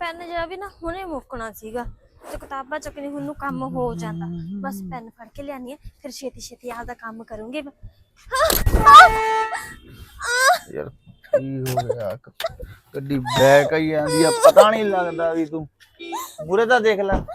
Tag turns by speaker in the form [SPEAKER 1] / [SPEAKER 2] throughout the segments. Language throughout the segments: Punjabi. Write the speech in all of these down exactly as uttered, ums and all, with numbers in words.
[SPEAKER 1] ਪੈਨ ਜਿਹਾ ਵੀ ਨਾ ਹੁਣੇ ਮੁੱਕਣਾ ਸੀਗਾ ਤੇ ਕਿਤਾਬਾਂ ਚੱਕਣੀ ਹੁਣ ਨੂੰ ਕੰਮ ਹੋ ਜਾਂਦਾ। ਬਸ ਪੈਨ ਫੜ ਕੇ ਲਿਆਨੀ ਆ ਫਿਰ ਛੇਤੀ ਛੇਤੀ ਆਪਦਾ ਕੰਮ ਕਰੂੰਗੀ।
[SPEAKER 2] ਯਾਰ ਕੀ ਹੋ ਰਿਹਾ? ਗੱਡੀ ਬੈਕ ਆਈ ਜਾਂਦੀ ਆ, ਪਤਾ ਨਹੀਂ ਲੱਗਦਾ ਵੀ ਤੂੰ ਮੂਰੇ ਤਾਂ ਦੇਖ ਲੈ।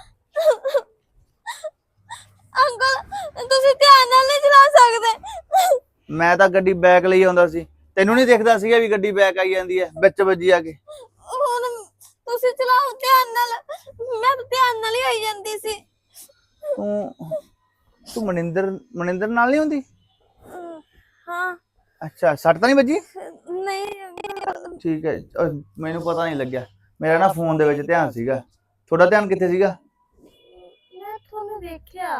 [SPEAKER 1] ਅੰਕਲ ਤੁਸੀਂ ਧਿਆਨ ਨਾਲ ਨਹੀਂ ਚਲਾ ਸਕਦੇ।
[SPEAKER 2] ਮੈਂ ਤਾਂ ਗੱਡੀ ਬੈਕ ਲਈ ਆਉਂਦਾ ਸੀ, ਤੈਨੂੰ ਨਹੀਂ ਦਿਖਦਾ ਸੀਗਾ ਵੀ ਗੱਡੀ ਬੈਕ ਆਈ ਜਾਂਦੀ ਹੈ ਵਿੱਚ ਵੱਜੀ ਆ ਕੇ?
[SPEAKER 1] ਹੁਣ ਤੁਸੀਂ ਚਲਾਓ ਧਿਆਨ ਨਾਲ, ਮੈਂ ਤਾਂ ਧਿਆਨ ਨਾਲ ਹੀ ਆਈ ਜਾਂਦੀ ਸੀ।
[SPEAKER 2] ਤੂੰ ਤੂੰ ਮਨਿੰਦਰ ਮਨਿੰਦਰ ਨਾਲ ਨਹੀਂ ਹੁੰਦੀ?
[SPEAKER 1] ਹਾਂ।
[SPEAKER 2] ਅੱਛਾ, ਸੱਟ ਤਾਂ ਨਹੀਂ ਵੱਜੀ?
[SPEAKER 1] ਨਹੀਂ
[SPEAKER 2] ਠੀਕ ਹੈ, ਅਹ ਮੈਨੂੰ ਪਤਾ ਨਹੀਂ ਲੱਗਿਆ, ਮੇਰਾ ਨਾ ਫੋਨ ਦੇ ਵਿੱਚ ਧਿਆਨ ਸੀਗਾ। ਤੁਹਾਡਾ ਧਿਆਨ ਕਿੱਥੇ ਸੀਗਾ?
[SPEAKER 1] ਮੈਂ ਤੁਹਾਨੂੰ ਦੇਖਿਆ।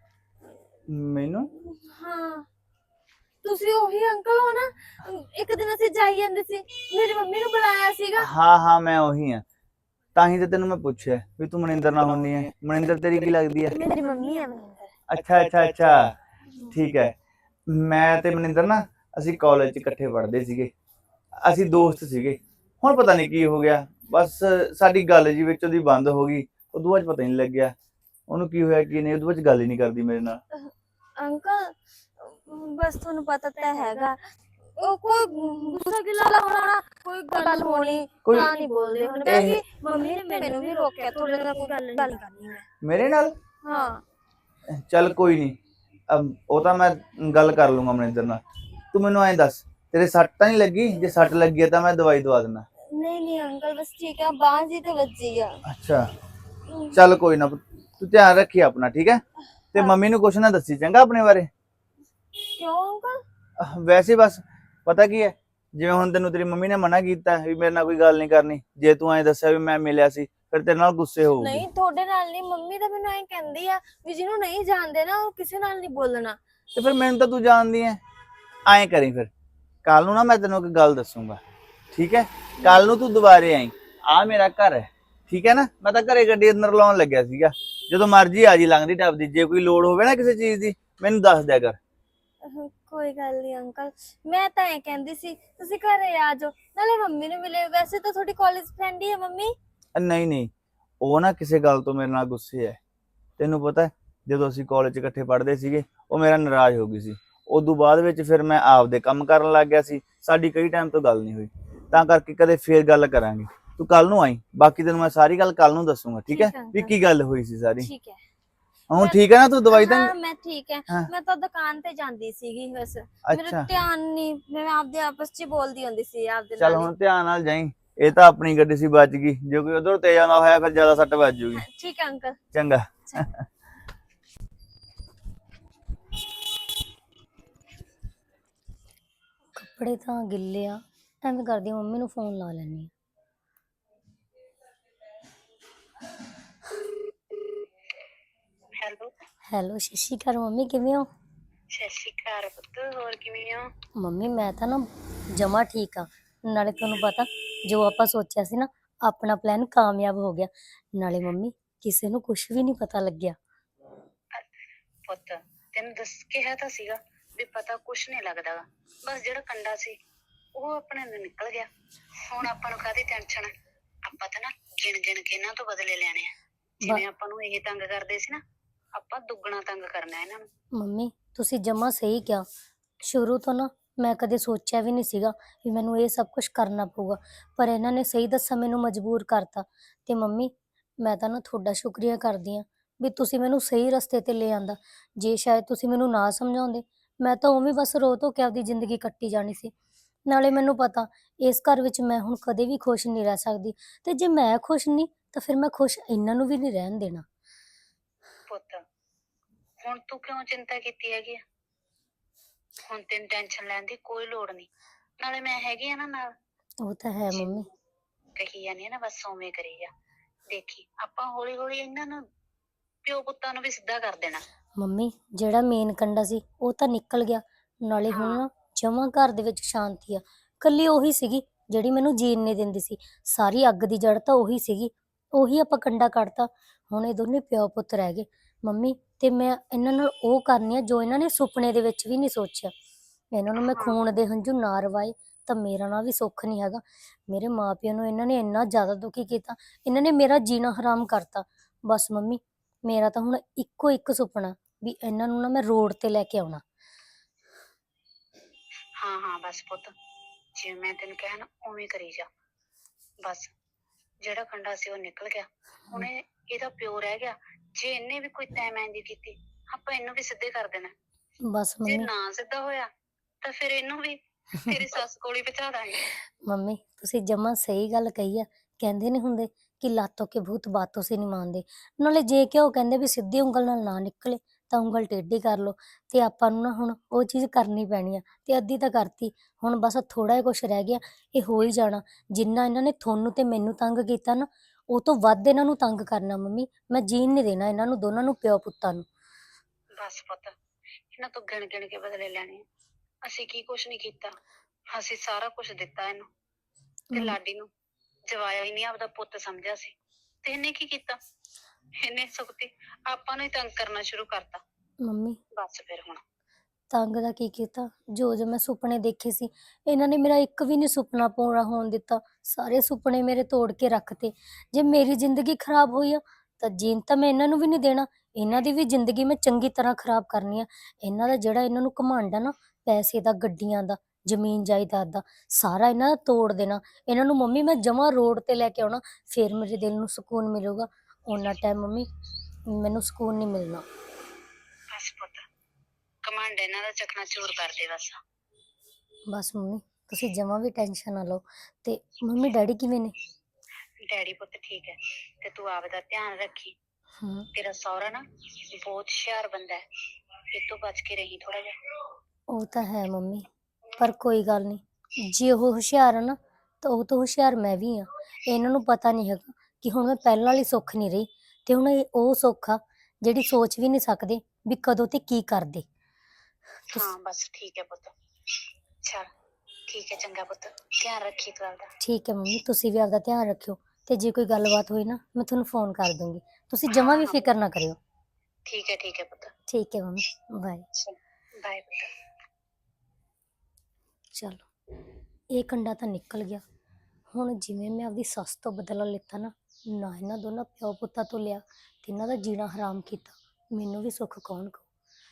[SPEAKER 2] ਮੈਨੂੰ?
[SPEAKER 1] ਹਾਂ ਤੁਸੀਂ ਉਹੀ ਅੰਕਲ ਹੋ ਨਾ? ਇੱਕ ਦਿਨ ਅਸੀਂ ਜਾਈ ਜਾਂਦੇ ਸੀ, ਮੇਰੀ ਮੰਮੀ ਨੂੰ ਬੁਲਾਇਆ ਸੀਗਾ।
[SPEAKER 2] ਹਾਂ ਹਾਂ ਮੈਂ ਉਹੀ ਆ, ਤਾਂ ਹੀ ਤੇ ਤੈਨੂੰ ਮੈਂ ਪੁੱਛਿਆ ਵੀ ਤੂੰ ਮਨਿੰਦਰ ਨਾਲ ਹੁੰਦੀ ਹੈ। ਮਨਿੰਦਰ ਤੇਰੀ ਕੀ ਲੱਗਦੀ ਹੈ?
[SPEAKER 1] ਮੇਰੀ ਮੰਮੀ ਹੈ ਮਨਿੰਦਰ।
[SPEAKER 2] ਅੱਛਾ ਅੱਛਾ ਅੱਛਾ, ਠੀਕ ਹੈ। ਮੈਂ ਤੇ ਮਨਿੰਦਰ ਨਾ ਅਸੀਂ ਕਾਲਜ 'ਚ ਇਕੱਠੇ ਪੜ੍ਹਦੇ ਸੀਗੇ, ਅਸੀਂ ਦੋਸਤ ਸੀਗੇ। ਹੁਣ ਪਤਾ ਨਹੀਂ ਕੀ ਹੋ ਗਿਆ, ਬਸ ਸਾਡੀ ਗੱਲ ਜੀ ਵਿੱਚ ਉਹਦੀ ਬੰਦ ਹੋ ਗਈ। ਉਦੋਂ ਬਾਅਦ ਪਤਾ ਨਹੀਂ ਲੱਗਿਆ ਉਹਨੂੰ ਕੀ ਹੋਇਆ ਕੀ ਨਹੀਂ, ਉਦੋਂ ਬਾਅਦ ਗੱਲ ਹੀ ਨਹੀਂ ਕਰਦੀ ਮੇਰੇ ਨਾਲ।
[SPEAKER 1] ਅੰਕਲ ਬਸ ਤੁਹਾਨੂੰ ਪਤਾ ਤਾਂ ਹੈਗਾ, ਉਹ ਕੋਈ ਗੁੱਸਾ ਗਿਲਾ ਹੋਣਾ, ਕੋਈ ਗੱਲ ਹੋਣੀ ਤਾਂ ਨਹੀਂ ਬੋਲਦੇ ਹੁਣ। ਕਿ ਮੰਮੀ ਨੇ ਮੈਨੂੰ ਵੀ ਰੋਕਿਆ, ਤੁਹਾਡੇ ਨਾਲ ਕੋਈ ਗੱਲ ਨਹੀਂ ਕਰਨੀ ਮੈਂ।
[SPEAKER 2] ਮੇਰੇ ਨਾਲ?
[SPEAKER 1] ਹਾਂ
[SPEAKER 2] ਚੱਲ ਕੋਈ ਨਹੀਂ, ਉਹ ਤਾਂ ਮੈਂ ਗੱਲ ਕਰ ਲੂੰਗਾ ਮਨਿੰਦਰ ਨਾਲ। ਤੂੰ ਮੈਨੂੰ ਐਂ ਦੱਸ, ਤੇਰੇ ਸੱਟ ਤਾਂ ਨਹੀਂ ਲੱਗੀ? ਜੇ ਸੱਟ ਲੱਗੀ ਹੈ ਤਾਂ ਮੈਂ ਦਵਾਈ ਦਵਾ ਦਿੰਦਾ।
[SPEAKER 1] ਨਹੀਂ ਨਹੀਂ ਅੰਕਲ ਬਸ ਠੀਕ ਹੈ, ਬਾਂਹ ਜੀ ਤੇ ਵੱਜੀ ਆ।
[SPEAKER 2] ਅੱਛਾ ਚੱਲ ਕੋਈ ਨਾ, ਤੂੰ ਧਿਆਨ ਰੱਖੀ ਆਪਣਾ, ਠੀਕ ਹੈ? ਤੇ ਮੰਮੀ ਨੂੰ ਕੁਛ ਨਾ ਦੱਸੀ ਚੰਗਾ ਆਪਣੇ ਬਾਰੇ।
[SPEAKER 1] ਕਿਉਂ ਅੰਕਲ?
[SPEAKER 2] ਵੈਸੇ ਬਸ ਪਤਾ ਕੀ ਹੈ, ਜਿਵੇਂ ਹੁਣ ਤੈਨੂੰ ਤੇਰੀ ਮੰਮੀ ਨੇ ਮਨਾ ਕੀਤਾ ਵੀ ਮੇਰੇ ਨਾਲ ਕੋਈ ਗੱਲ ਨਹੀਂ ਕਰਨੀ, ਜੇ ਤੂੰ ਐਂ ਦੱਸਿਆ ਵੀ ਮੈਂ ਮਿਲਿਆ ਸੀ ਫਿਰ ਤੇਰੇ ਨਾਲ ਗੁੱਸੇ ਹੋਊਗੀ।
[SPEAKER 1] ਨਹੀਂ ਤੁਹਾਡੇ ਨਾਲ ਨਹੀਂ, ਮੰਮੀ ਤਾਂ ਮੈਨੂੰ ਐਂ ਕਹਿੰਦੀ ਆ ਵੀ ਜਿਹਨੂੰ ਨਹੀਂ ਜਾਣਦੇ ਨਾ ਉਹ ਕਿਸੇ ਨਾਲ ਨਹੀਂ ਬੋਲਣਾ।
[SPEAKER 2] ਤੇ ਫਿਰ ਮੈਨੂੰ ਤਾਂ ਤੂੰ ਜਾਣਦੀ ਐ। ਐਂ ਕਰੀ ਫਿਰ, ਕੱਲ ਨੂੰ ਨਾ ਮੈਂ ਤੈਨੂੰ ਇੱਕ ਗੱਲ ਦੱਸੂਗਾ, ਠੀਕ ਹੈ? ਕੱਲ ਨੂੰ ਤੂੰ ਦੁਬਾਰੇ ਆਈ, ਆ ਮੇਰਾ ਘਰ ਹੈ, ਠੀਕ ਹੈ ਨਾ? ਮੈਂ ਤਾਂ ਘਰੇ ਗੱਡੀ ਅੰਦਰ ਲਾਉਣ ਲੱਗਿਆ ਸੀਗਾ, ਜਦੋਂ ਮਰਜੀ ਆ ਜੀ ਲੰਘਦੀ ਟੱਪਦੀ। ਜੇ ਕੋਈ ਲੋੜ ਹੋਵੇ ਨਾ ਕਿਸੇ ਚੀਜ਼ ਦੀ ਮੈਨੂੰ ਦੱਸ ਦਿਆ ਕਰ।
[SPEAKER 1] ਕੋਈ ਗੱਲ ਨਹੀਂ ਅੰਕਲ, ਮੈਂ ਤਾਂ ਐ ਕਹਿੰਦੀ ਸੀ ਤੁਸੀਂ ਘਰੇ ਆ ਜਾਓ, ਨਾਲੇ ਮੰਮੀ ਨੂੰ ਮਿਲੇ। ਵੈਸੇ ਤਾਂ ਤੁਹਾਡੀ ਕਾਲਜ ਫਰੈਂਡ ਹੀ ਹੈ ਮੰਮੀ।
[SPEAKER 2] ਨਹੀਂ ਨਹੀਂ, ਉਹ ਨਾ ਕਿਸੇ ਗੱਲ ਤੋਂ ਮੇਰੇ ਨਾਲ ਗੁੱਸੇ ਹੈ। ਤੈਨੂੰ ਪਤਾ ਜਦੋਂ ਅਸੀਂ ਕਾਲਜ 'ਚ ਇਕੱਠੇ ਪੜ੍ਹਦੇ ਸੀਗੇ ਉਹ ਮੇਰਾ ਨਾਰਾਜ਼ ਹੋ ਗਈ ਸੀ। ਉਦੋਂ ਬਾਅਦ ਵਿੱਚ ਫਿਰ ਮੈਂ ਆਪਦੇ ਕੰਮ ਕਰਨ ਲੱਗ ਗਿਆ ਸੀ, ਸਾਡੀ ਕਈ ਟਾਈਮ ਤੋਂ ਗੱਲ ਨਹੀਂ ਹੋਈ, ਤਾਂ ਕਰਕੇ ਕਦੇ ਫੇਰ ਗੱਲ ਕਰਾਂਗੇ। ਤੂੰ ਕੱਲ ਨੂੰ ਆਈ, ਬਾਕੀ ਤੈਨੂੰ ਮੈਂ ਸਾਰੀ ਗੱਲ ਕੱਲ ਨੂੰ ਦੱਸੂਗਾ, ਠੀਕ ਹੈ? ਵੀ ਕੀ ਗੱਲ ਹੋਈ ਸੀ ਸਾਰੀ।
[SPEAKER 1] ਠੀਕ ਹੈ।
[SPEAKER 2] ਹੁਣ ਠੀਕ ਹੈ ਨਾ? ਤੂੰ ਦਵਾਈ ਤਾਂ?
[SPEAKER 1] ਹਾਂ ਮੈਂ ਠੀਕ ਹੈ, ਮੈਂ ਤਾਂ ਦੁਕਾਨ ਤੇ ਜਾਂਦੀ ਸੀਗੀ ਬਸ, ਮੇਰਾ
[SPEAKER 2] ਅੱਛਾ
[SPEAKER 1] ਧਿਆਨ ਨਹੀਂ, ਮੈਂ ਆਪਦੇ ਆਪਸ 'ਚ ਬੋਲਦੀ ਹੁੰਦੀ ਸੀ ਆਪਦੇ ਨਾਲ।
[SPEAKER 2] ਚੱਲ ਹੁਣ ਧਿਆਨ ਨਾਲ ਜਾਈਂ, ਇਹ ਤਾਂ ਆਪਣੀ ਗੱਡੀ ਸੀ, ਬਚ ਗਈ। ਜੇ ਕੋਈ ਉਧਰ ਤੇਜ਼ ਆਉਂਦਾ ਹੋਇਆ ਫਿਰ ਜ਼ਿਆਦਾ ਸੱਟ ਵੱਜ ਜੂਗੀ।
[SPEAKER 1] ਠੀਕ ਹੈ ਅੰਕਲ।
[SPEAKER 2] ਚੰਗਾ।
[SPEAKER 3] ਕੱਪੜੇ ਤਾਂ ਗਿੱਲੇ ਆ, ਐਵੇਂ ਕਰਦੀ ਮੰਮੀ ਨੂੰ ਫੋਨ ਲਾ ਲੈਣੀ ਆ।
[SPEAKER 4] ਹੈਲੋ
[SPEAKER 3] ਹੈਲੋ, ਸਤਿ ਸ਼੍ਰੀ ਅਕਾਲ ਮੰਮੀ, ਕਿਵੇਂ ਹੋ?
[SPEAKER 4] ਸਤਿ ਸ਼੍ਰੀ ਅਕਾਲ ਪੁੱਤ, ਹੋਰ ਕਿਵੇਂ ਹੋ?
[SPEAKER 3] ਮੰਮੀ ਮੈਂ ਤਾਂ ਨਾ ਜਮਾ ਠੀਕ ਆ, ਨਾਲੇ ਤੁਹਾਨੂੰ ਪਤਾ ਜੋ ਆਪਾਂ ਸੋਚਿਆ ਸੀ ਨਾ ਆਪਣਾ ਪਲਾਨ ਕਾਮਯਾਬ ਹੋ ਗਿਆ। ਨਾਲੇ ਮੰਮੀ ਕਿਸੇ ਨੂੰ ਕੁਝ ਵੀ ਨਹੀਂ ਪਤਾ ਲੱਗਿਆ।
[SPEAKER 4] ਪੁੱਤ ਤੈਨੂੰ ਦੱਸ ਕਿਹਾ ਤਾਂ ਸੀਗਾ ਵੀ ਪਤਾ ਕੁਛ ਨਹੀਂ ਲੱਗਦਾ ਗਾ। ਬਸ ਜਿਹੜਾ ਕੰਡਾ ਸੀ ਉਹ ਆਪਣੇ ਨੂੰ ਨਿਕਲ ਗਿਆ। ਹੁਣ ਆਪਾਂ ਨੂੰ ਕਾਹਦੀ ਟੈਨਸ਼ਨ? ਆਪਾਂ ਤਾਂ ਨਾ ਗਿਣ ਗਿਣ ਕੇ ਇਹਨਾਂ ਤੋਂ ਬਦਲੇ ਲੈਣੇ ਆ। ਜਿਵੇਂ ਆਪਾਂ ਨੂੰ ਇਹ ਤੰਗ ਕਰਦੇ ਸੀ ਨਾ, ਆਪਾਂ ਦੁੱਗਣਾ ਤੰਗ ਕਰਨਾ ਇਹਨਾਂ ਨੂੰ।
[SPEAKER 3] ਮੰਮੀ ਤੁਸੀਂ ਜਮਾ ਸਹੀ ਕਿਹਾ, ਸ਼ੁਰੂ ਤੋਂ ਨਾ ਮੈਂ ਕਦੇ ਸੋਚਿਆ ਵੀ ਨਹੀਂ ਸੀਗਾ ਵੀ ਮੈਨੂੰ ਇਹ ਸਭ ਕੁਝ ਕਰਨਾ ਪਊਗਾ, ਪਰ ਇਹਨਾਂ ਨੇ ਸਹੀ ਦੱਸਾਂ ਮੈਨੂੰ ਮਜਬੂਰ ਕਰਤਾ। ਤੇ ਮੰਮੀ ਮੈਂ ਤਾਂ ਨਾ ਤੁਹਾਡਾ ਸ਼ੁਕਰੀਆ ਕਰਦੀ ਹਾਂ ਵੀ ਤੁਸੀਂ ਮੈਨੂੰ ਸਹੀ ਰਸਤੇ ਤੇ ਲੈ ਆਂਦਾ। ਜੇ ਸ਼ਾਇਦ ਤੁਸੀਂ ਮੈਨੂੰ ਨਾ ਸਮਝਾਉਂਦੇ ਮੈਂ ਤਾਂ ਉਵੇਂ ਬਸ ਰੋ ਧੋ ਕੇ ਆਪਦੀ ਜ਼ਿੰਦਗੀ ਕੱਟੀ ਜਾਣੀ ਸੀ। ਨਾਲੇ ਮੈਨੂੰ ਪਤਾ ਇਸ ਘਰ ਵਿੱਚ ਮੈਂ ਹੁਣ ਕਦੇ ਵੀ ਖੁਸ਼ ਨਹੀਂ ਰਹਿ ਸਕਦੀ, ਤੇ ਜੇ ਮੈਂ ਖੁਸ਼ ਨਹੀਂ ਤਾਂ ਫਿਰ ਮੈਂ ਖੁਸ਼ ਇਹਨਾਂ ਨੂੰ ਵੀ ਨਹੀਂ ਰਹਿਣ ਦੇਣਾ।
[SPEAKER 4] ਪੁੱਤ ਹੁਣ ਤੂੰ ਕਿਉਂ ਚਿੰਤਾ ਕੀਤੀ ਹੈਗੀ ਆ? ਹੁਣ ਤੈਨੂੰ ਟੈਨਸ਼ਨ ਲੈਣ ਦੀ ਕੋਈ ਲੋੜ ਨਹੀਂ, ਨਾਲੇ ਮੈਂ ਹੈਗੀ ਆ ਨਾ ਨਾਲ।
[SPEAKER 3] ਉਹ ਤਾਂ ਹੈ ਮੰਮੀ।
[SPEAKER 4] ਕਹੀ ਜਾਂਦੀ ਆ ਨਾ, ਬਸ ਉਵੇਂ ਕਰੀ ਜਾ। ਦੇਖੀ ਆਪਾਂ ਹੌਲੀ ਹੌਲੀ ਇਹਨਾਂ ਨੂੰ ਪਿਓ ਪੁੱਤਾਂ ਨੂੰ ਵੀ ਸਿੱਧਾ ਕਰ ਦੇਣਾ।
[SPEAKER 3] ਮੰਮੀ ਜਿਹੜਾ ਮੇਨ ਕੰਡਾ ਸੀ ਉਹ ਤਾਂ ਨਿਕਲ ਗਿਆ, ਨਾਲੇ ਹੁਣ ਨਾ ਜਮਾਂ ਘਰ ਦੇ ਵਿੱਚ ਸ਼ਾਂਤੀ ਆ। ਕੱਲੀ ਉਹੀ ਸੀਗੀ ਜਿਹੜੀ ਮੈਨੂੰ ਜੀਣ ਨਹੀਂ ਦਿੰਦੀ ਸੀ, ਸਾਰੀ ਅੱਗ ਦੀ ਜੜ ਤਾਂ ਉਹੀ ਸੀਗੀ, ਉਹੀ ਆਪਾਂ ਕੰਡਾ ਕੱਢਤਾ। ਹੁਣ ਇਹ ਦੋਨੇ ਪਿਓ ਪੁੱਤ ਰਹਿ ਗਏ ਮੰਮੀ, ਤੇ ਮੈਂ ਇਹਨਾਂ ਨਾਲ ਉਹ ਕਰਨੀ ਆ ਜੋ ਇਹਨਾਂ ਨੇ ਸੁਪਨੇ ਦੇ ਵਿੱਚ ਵੀ ਨਹੀਂ ਸੋਚਿਆ। ਇਹਨਾਂ ਨੂੰ ਮੈਂ ਖੂਨ ਦੇ ਹੰਝੂ ਨਾ ਰਵਾਏ, ਤਾਂ ਮੇਰਾ ਨਾਂ ਵੀ ਸੁੱਖ ਨਹੀਂ ਹੈਗਾ। ਮੇਰੇ ਮਾਪਿਆਂ ਨੂੰ ਇਹਨਾਂ ਨੇ ਇੰਨਾ ਜ਼ਿਆਦਾ ਦੁਖੀ ਕੀਤਾ, ਇਹਨਾਂ ਨੇ ਮੇਰਾ ਜੀਣਾ ਹਰਾਮ ਕਰਤਾ। ਬਸ ਮੰਮੀ, ਮੇਰਾ ਤਾਂ ਹੁਣ ਇੱਕੋ ਇੱਕ ਸੁਪਨਾ ਵੀ ਇਹਨਾਂ ਨੂੰ ਨਾ ਮੈਂ ਰੋਡ ਤੇ ਲੈ ਕੇ ਆਉਣਾ।
[SPEAKER 4] ਹਾਂ ਹਾਂ ਬਸ ਪੁੱਤ, ਜਿਵੇਂ ਮੈਂ ਤੈਨੂੰ ਕਿਹਾ ਨਾ ਉਵੇਂ ਕਰੀ ਜਾ। ਬਸ ਜਿਹੜਾ ਕੰਡਾ ਸੀ ਉਹ ਨਿਕਲ ਗਿਆ, ਹੁਣ ਇਹ- ਇਹਦਾ ਪਿਓ ਰਹਿ ਗਿਆ। ਜੇ ਇਹਨੇ ਵੀ ਕੋਈ ਤੈਮੈਂਦੀ ਕੀਤੀ, ਆਪਾਂ ਇਹਨੂੰ ਵੀ ਸਿੱਧੇ ਕਰ ਦੇਣਾ।
[SPEAKER 3] ਬਸ
[SPEAKER 4] ਜੇ
[SPEAKER 3] ਮੰਮੀ
[SPEAKER 4] ਨਾ ਸਿੱਧਾ ਹੋਇਆ ਤਾਂ ਫਿਰ ਇਹਨੂੰ ਵੀ ਤੇਰੀ ਸੱਸ ਕੋਲ ਹੀ ਪਹੁੰਚਾ ਦਾਂਗੇ।
[SPEAKER 3] ਮੰਮੀ ਤੁਸੀਂ ਜਮਾਂ ਸਹੀ ਗੱਲ ਕਹੀ ਆ। ਕਹਿੰਦੇ ਨਹੀਂ ਹੁੰਦੇ ਕਿ ਲਾਤੋਂ ਕੇ ਭੂਤ ਬਾਤੋਂ ਸੇ ਨਹੀਂ ਮਾਨਦੇ। ਨਾਲੇ ਜੇ ਕਿ ਉਹ ਕਹਿੰਦੇ ਵੀ ਸਿੱਧੀ ਉਂਗਲ ਨਾਲ ਨਾ ਨਿਕਲੇ ਤਾਂ ਉਂਗਲ ਟੇਢੀ ਕਰ ਲਓ। ਤੇ ਆਪਾਂ ਨੂੰ ਨਾ ਹੁਣ ਉਹ ਚੀਜ਼ ਕਰਨੀ ਪੈਣੀ ਆ, ਤੇ ਅੱਧੀ ਤਾਂ ਕਰਤੀ। ਹੁਣ ਬਸ ਥੋੜਾ ਜਿਹਾ ਕੁਛ ਰਹਿ ਗਿਆ, ਇਹ ਹੋ ਹੀ ਜਾਣਾ। ਜਿੰਨਾ ਇਹਨਾਂ ਨੇ ਤੁਹਾਨੂੰ ਤੇ ਮੈਨੂੰ ਤੰਗ ਕੀਤਾ ਨਾ, ਉਹ ਤੋਂ ਵੱਧ ਇਹਨਾਂ ਨੂੰ ਤੰਗ ਕਰਨਾ। ਮੰਮੀ ਮੈਂ ਜੀਣ ਨਹੀਂ ਦੇਣਾ ਇਹਨਾਂ ਨੂੰ ਦੋਨਾਂ ਨੂੰ, ਪਿਓ ਪੁੱਤਾਂ ਨੂੰ।
[SPEAKER 4] ਬਸ ਪੁੱਤ, ਇਹਨਾਂ ਤੋਂ ਗਿਣ ਗਿਣ ਕੇ ਬਦਲੇ ਲੈਣੇ ਆ। ਅਸੀਂ ਕੀ ਕੁਛ ਨਹੀਂ ਕੀਤਾ, ਅਸੀਂ ਸਾਰਾ ਕੁਝ ਦਿੱਤਾ ਇਹਨੂੰ। ਤੇ
[SPEAKER 3] ਹਮ।
[SPEAKER 4] ਲਾਡੀ ਨੂੰ ਜਵਾਇਆ ਹੀ ਨਹੀਂ, ਆਪਦਾ ਪੁੱਤ ਸਮਝਿਆ ਸੀ। ਤੇ ਇਹਨੇ ਕੀ ਕੀਤਾ, ਇਹਨੇ ਸੁਖਤੀ ਆਪਾਂ ਨੂੰ ਹੀ ਤੰਗ ਕਰਨਾ ਸ਼ੁਰੂ ਕਰਤਾ।
[SPEAKER 3] ਮੰਮੀ
[SPEAKER 4] ਬਸ ਫਿਰ ਹੁਣ
[SPEAKER 3] ਤੰਗ ਦਾ ਕੀ ਕੀਤਾ, ਜੋ ਜੋ ਮੈਂ ਸੁਪਨੇ ਦੇਖੇ ਸੀ ਇਹਨਾਂ ਨੇ ਮੇਰਾ ਇੱਕ ਵੀ ਨਹੀਂ ਸੁਪਨਾ ਪੂਰਾ ਹੋਣ ਦਿੱਤਾ। ਸਾਰੇ ਸੁਪਨੇ ਮੇਰੇ ਤੋੜ ਕੇ ਰੱਖਤੇ। ਜੇ ਮੇਰੀ ਜ਼ਿੰਦਗੀ ਖਰਾਬ ਹੋਈ ਆ ਤਾਂ ਜੀਣ ਤਾਂ ਮੈਂ ਇਹਨਾਂ ਨੂੰ ਵੀ ਨਹੀਂ ਦੇਣਾ। ਇਹਨਾਂ ਦੀ ਵੀ ਜ਼ਿੰਦਗੀ ਮੈਂ ਚੰਗੀ ਤਰ੍ਹਾਂ ਖਰਾਬ ਕਰਨੀ ਆ। ਇਹਨਾਂ ਦਾ ਜਿਹੜਾ ਇਹਨਾਂ ਨੂੰ ਘਮੰਡ ਆ ਨਾ, ਪੈਸੇ ਦਾ, ਗੱਡੀਆਂ ਦਾ, ਜ਼ਮੀਨ ਜਾਇਦਾਦ ਦਾ, ਸਾਰਾ ਇਹਨਾਂ ਦਾ ਤੋੜ ਦੇਣਾ। ਇਹਨਾਂ ਨੂੰ ਮੰਮੀ ਮੈਂ ਜਮਾਂ ਰੋਡ ਤੇ ਲੈ ਕੇ ਆਉਣਾ, ਫਿਰ ਮੇਰੇ ਦਿਲ ਨੂੰ ਸਕੂਨ ਮਿਲੂਗਾ। ਉਹਨਾਂ ਟਾਈਮ ਮੰਮੀ ਮੈਨੂੰ ਸਕੂਨ ਨਹੀਂ ਮਿਲਣਾ।
[SPEAKER 4] ਬਸ ਪੁੱਤ, ਕਮਾਂਡ ਇਹਨਾਂ ਦਾ ਚੱਕਣਾ ਚੂਰ ਕਰ ਦੇ ਬਸ।
[SPEAKER 3] ਬਸ ਮੰਮੀ ਤੁਸੀਂ ਜਮਾਂ ਵੀ ਟੈਨਸ਼ਨ ਨਾ ਲਓ। ਤੇ ਮੰਮੀ ਡੈਡੀ ਕਿਵੇਂ ਨੇ?
[SPEAKER 4] ਡੈਡੀ ਪੁੱਤ ਠੀਕ ਹੈ, ਤੇ ਤੂੰ ਆਪਦਾ ਧਿਆਨ ਰੱਖੀ।
[SPEAKER 3] ਹਾਂ
[SPEAKER 4] ਤੇਰਾ ਸਹੁਰਾ ਨਾ ਬਹੁਤ ਹੁਸ਼ਿਆਰ ਬੰਦਾ ਹੈ, ਇਹ ਤੋਂ ਬਚ ਕੇ ਰਹੀ ਥੋੜਾ ਜਿਹਾ।
[SPEAKER 3] ਉਹ ਤਾਂ ਹੈ ਮੰਮੀ, ਪਰ ਕੋਈ ਗੱਲ ਨਹੀਂ। ਜੇ ਉਹ ਹੁਸ਼ਿਆਰ ਆ ਨਾ ਤਾਂ ਉਹ ਤਾਂ ਹੁਸ਼ਿਆਰ ਮੈਂ ਵੀ ਆ। ਇਹਨਾਂ ਨੂੰ ਪਤਾ ਨਹੀਂ ਹੈਗਾ ਕਿ ਹੁਣ ਮੈਂ ਪਹਿਲਾਂ ਵਾਲੀ ਸੁੱਖ ਨਹੀਂ ਰਹੀ, ਤੇ ਹੁਣ ਇਹ ਉਹ ਸੁੱਖ ਆ ਜਿਹੜੀ ਸੋਚ ਵੀ ਨਹੀਂ ਸਕਦੇ ਵੀ ਕਦੋਂ ਤੇ ਕੀ ਕਰਦੇ। ਤੁਸ-
[SPEAKER 4] ਹਾਂ ਬਸ ਠੀਕ ਹੈ ਪੁੱਤ, ਚਲ ਠੀਕ ਹੈ, ਚੰਗਾ ਪੁੱਤ, ਧਿਆਨ ਰੱਖੀ ਤੂੰ ਆਪਦਾ।
[SPEAKER 3] ਠੀਕ ਹੈ ਮੰਮੀ, ਤੁਸੀਂ ਵੀ ਆਪਦਾ ਧਿਆਨ ਰੱਖਿਓ। ਤੇ ਜੇ ਕੋਈ ਗੱਲਬਾਤ ਹੋਈ ਨਾ ਮੈਂ ਤੁਹਾਨੂੰ ਫੋਨ ਕਰ ਦੂੰਗੀ, ਤੁਸੀਂ ਜਮਾਂ ਵੀ ਫਿਕਰ ਨਾ ਕਰਿਓ।
[SPEAKER 4] ਠੀਕ ਹੈ ਠੀਕ ਹੈ ਪੁੱਤ,
[SPEAKER 3] ਠੀਕ ਹੈ ਮੰਮੀ, ਬਾਏ।
[SPEAKER 4] ਬਾਏ ਪੁੱਤ।
[SPEAKER 3] ਚਲੋ ਇਹ ਕੰਡਾ ਤਾਂ ਨਿਕਲ ਗਿਆ। ਹੁਣ ਜਿਵੇਂ ਮੈਂ ਆਪਦੀ ਸੱਸ ਤੋਂ ਬਦਲਾ ਲਿੱਤਾ ਨਾ, ਨਾ ਇਹਨਾਂ ਦੋਨਾਂ ਪਿਓ ਪੁੱਤਾਂ ਤੋਂ ਲਿਆ, ਤੇ ਇਹਨਾਂ ਦਾ ਜੀਣਾ ਹਰਾਮ ਕੀਤਾ, ਮੈਨੂੰ ਵੀ ਸੁੱਖ ਕੌਣ ਕਹੂ।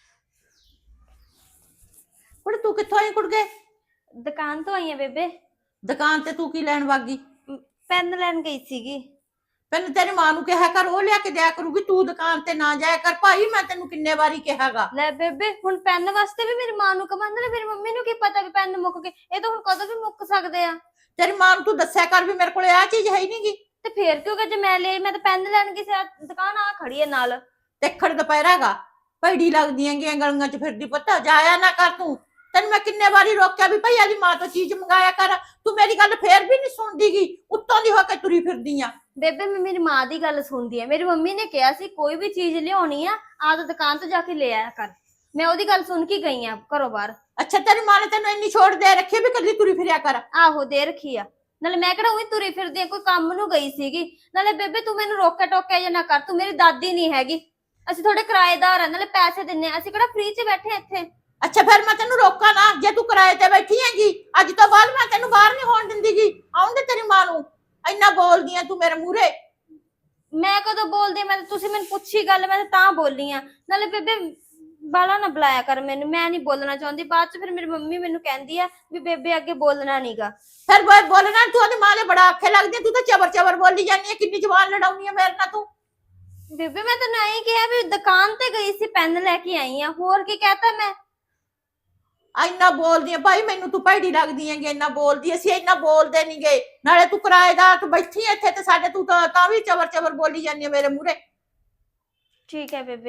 [SPEAKER 5] ਕੁੜੇ ਤੂੰ ਕਿੱਥੋਂ ਆਈ ਕੁੜਗੇ?
[SPEAKER 1] ਦੁਕਾਨ ਤੋਂ ਆਈ ਆ ਬੇਬੇ,
[SPEAKER 5] ਦੁਕਾਨ ਤੇ ਤੂੰ ਕੀ ਲੈਣ ਵਾਗੀ?
[SPEAKER 1] ਪੈਨ ਲੈਣ ਗਈ ਸੀਗੀ।
[SPEAKER 5] ਪਹਿਲਾਂ ਤੇਰੀ ਮਾਂ ਨੂੰ ਕਿਹਾ ਕਰ, ਉਹ ਲਿਆ ਕੇ ਦਿਆ ਕਰੂਗੀ। ਤੂੰ ਦੁਕਾਨ ਤੇ ਨਾ ਜਾਇਆ ਕਰ ਭਾਈ, ਮੈਂ ਤੈਨੂੰ ਕਿੰਨੇ ਵਾਰੀ ਕਿਹਾਗਾ।
[SPEAKER 1] ਲੈ ਬੇਬੇ, ਹੁਣ ਪੈਨ ਵਾਸਤੇ ਵੀ ਮੇਰੀ ਮਾਂ ਨੂੰ ਕਮਾਂਦੇ ਨੇ, ਮੇਰੀ ਮੰਮੀ ਨੂੰ ਕੀ ਪਤਾ ਵੀ ਪੈਨ ਮੁੱਕ ਗਏ। ਇਹ ਤਾਂ ਹੁਣ ਕਦੋਂ ਵੀ ਮੁੱਕ ਸਕਦੇ ਆ।
[SPEAKER 5] ਤੇਰੀ ਮਾਂ ਨੂੰ ਤੂੰ ਦੱਸਿਆ ਕਰ ਵੀ ਮੇਰੇ ਕੋਲੇ ਆ ਚੀਜ਼ ਹੈ ਹੀ ਨਹੀਂਗੀ।
[SPEAKER 1] ਤੇ ਫੇਰ ਕਿਉਂ ਕਿ ਜੇ ਮੈਂ ਲਈ, ਮੈਂ ਤਾਂ ਪੈਨ ਲੈਣ ਗਈ ਸੀ, ਆਹ ਦੁਕਾਨ ਆ ਖੜੀ ਹੈ ਨਾਲ।
[SPEAKER 5] ਦੇਖੜ ਦੁਪਹਿਰਾਗਾ ਭੈੜੀ ਲੱਗਦੀਆਂ ਗੀਆਂ ਗਲੀਆਂ ਚ ਫਿਰਦੀ ਪੁੱਤ, ਜਾਇਆ ਨਾ ਕਰ ਤੂੰ। ਤੈਨੂੰ ਮੈਂ ਕਿੰਨੇ ਵਾਰੀ ਰੋਕਿਆ ਵੀ ਭਾਈ ਆਦੀ ਮਾਂ ਤੋਂ ਚੀਜ਼ ਮੰਗਾਇਆ ਕਰ, ਤੂੰ ਮੇਰੀ ਗੱਲ ਫੇਰ ਵੀ ਨਹੀਂ ਸੁਣਦੀਗੀ। ਉੱਤੋਂ ਦੀ ਹੋ ਕੇ ਤੁਰੀ ਫਿਰਦੀ ਆ।
[SPEAKER 1] ਬੇਬੇ ਮੈਂ ਮੇਰੀ ਮਾਂ ਦੀ ਗੱਲ ਸੁਣਦੀ ਆ। ਮੇਰੀ ਮੰਮੀ ਨੇ ਕਿਹਾ ਸੀ ਕੋਈ ਵੀ ਚੀਜ਼ ਲਿਆਉਣੀ ਆ ਆਹ ਦੁਕਾਨ ਤੋਂ ਜਾ ਕੇ ਲੈ ਆਇਆ ਕਰ। ਮੈਂ ਉਹਦੀ ਗੱਲ ਸੁਣ ਕੇ ਗਈ ਆ ਘਰੋਂ ਬਾਹਰ।
[SPEAKER 5] ਅੱਛਾ ਤੇਰੀ ਮਾਂ ਨੇ ਤੈਨੂੰ ਇੰਨੀ ਛੋੜ ਦੇ ਰੱਖੀ ਵੀ ਕੱਲੀ ਤੁਰੀ ਫਿਰਿਆ ਕਰ?
[SPEAKER 1] ਆਹੋ ਦੇ ਰੱਖੀ ਆ। ਨਾਲੇ ਮੈਂ ਕਿਹੜਾ ਉਹੀ ਤੁਰੀ ਫਿਰਦੀ ਆ, ਕੋਈ ਕੰਮ ਨੂੰ ਗਈ ਸੀਗੀ। ਨਾਲੇ ਬੇਬੇ ਤੂੰ ਮੈਨੂੰ ਰੋਕਿਆ ਟੋਕਿਆ ਜਾਂ ਨਾ ਕਰ, ਤੂੰ ਮੇਰੀ ਦਾਦੀ ਨਹੀਂ ਹੈਗੀ। ਅਸੀਂ ਥੋੜੇ ਕਿਰਾਏਦਾਰ ਆ, ਨਾਲੇ ਪੈਸੇ ਦਿੰਨੇ ਆ, ਅਸੀਂ ਕਿਹੜਾ ਫ੍ਰੀ 'ਚ ਬੈਠੇ ਆ ਇੱਥੇ।
[SPEAKER 5] ਅੱਛਾ ਫਿਰ ਮੈਂ ਤੈਨੂੰ ਰੋਕਾਂ ਨਾ, ਜੇ ਤੂੰ ਕਿਰਾਏ ਤੇ ਬੈਠੀ ਹੈਗੀ। ਅੱਜ ਤੋਂ ਬਾਅਦ ਮੈਂ ਤੈਨੂੰ ਬਾਹਰ ਨਹੀਂ ਹੋਣ ਦਿੰਦੀਗੀ। ਆਉਣ ਦੇ ਤੇਰੀ ਮਾਂ ਨੂੰ, ਇੰਨਾ ਬੋਲਦੀ ਆ ਤੂੰ ਮੇਰੇ ਮੂਹਰੇ।
[SPEAKER 1] ਮੈਂ ਕਦੋਂ ਬੋਲਦੀ ਆ? ਮੈਂ ਤਾਂ ਤੁਸੀਂ ਮੈਨੂੰ ਪੁੱਛੀ ਗੱਲ, ਮੈਂ ਤਾਂ ਬੋਲੀ ਆ। ਨਾਲੇ ਬੇਬੇ ਬਾਲਾ ਨਾ ਬੁਲਾਇਆ ਕਰ ਮੈਨੂੰ, ਮੈਂ ਨਹੀਂ ਬੋਲਣਾ ਚਾਹੁੰਦੀ। ਬਾਅਦ ਚ ਫਿਰ ਮੇਰੀ ਮੰਮੀ ਮੈਨੂੰ ਕਹਿੰਦੀ ਆ ਵੀ ਬੇਬੇ ਅੱਗੇ ਬੋਲਣਾ ਨੀਗਾ।
[SPEAKER 5] ਫਿਰ ਬੋ- ਬੋਲਣਾ ਤੂੰ ਉਹਦੀ ਮਾਂ ਦੇ ਬੜਾ ਆਖੇ ਲੱਗਦੀ ਆ। ਤੂੰ ਤਾਂ ਚਬਰ ਚਬਰ ਬੋਲੀ ਜਾਂਦੀ ਆ, ਕਿੰਨੀ ਜ਼ੁਬਾਨ ਲੜਾਉਣੀ ਆ ਮੇਰੇ ਨਾਲ ਤੂੰ।
[SPEAKER 1] ਬੇਬੇ ਮੈਂ ਤੈਨੂੰ ਐਂ ਕਿਹਾ ਵੀ ਦੁਕਾਨ ਤੇ ਗਈ ਸੀ, ਪੈਨ ਲੈ ਕੇ ਆਈ ਆ, ਹੋਰ ਕੀ ਕਹਤਾ ਮੈਂ?
[SPEAKER 5] ਇੰਨਾ ਬੋਲਦੀ ਆ ਭਾਈ, ਮੈਨੂੰ ਤੂੰ ਭੈੜੀ ਲੱਗਦੀ ਹੈਗੀ। ਇੰਨਾ ਬੋਲਦੀ, ਅਸੀਂ ਇੰਨਾ ਬੋਲਦੇ ਨੀ ਗੇ। ਨਾਲੇ ਤੂੰ ਕਿਰਾਏਦਾਰ ਤੂੰ ਬੈਠੀ ਇੱਥੇ ਤੇ ਸਾਡੇ ਤੂੰ ਤਾਂ ਤਾਂ ਵੀ ਚਬਰ ਚਬਰ ਬੋਲੀ ਜਾਂਦੀ ਆ ਮੇਰੇ ਮੂਹਰੇ।
[SPEAKER 1] ਠੀਕ ਹੈ ਬੇਬੇ।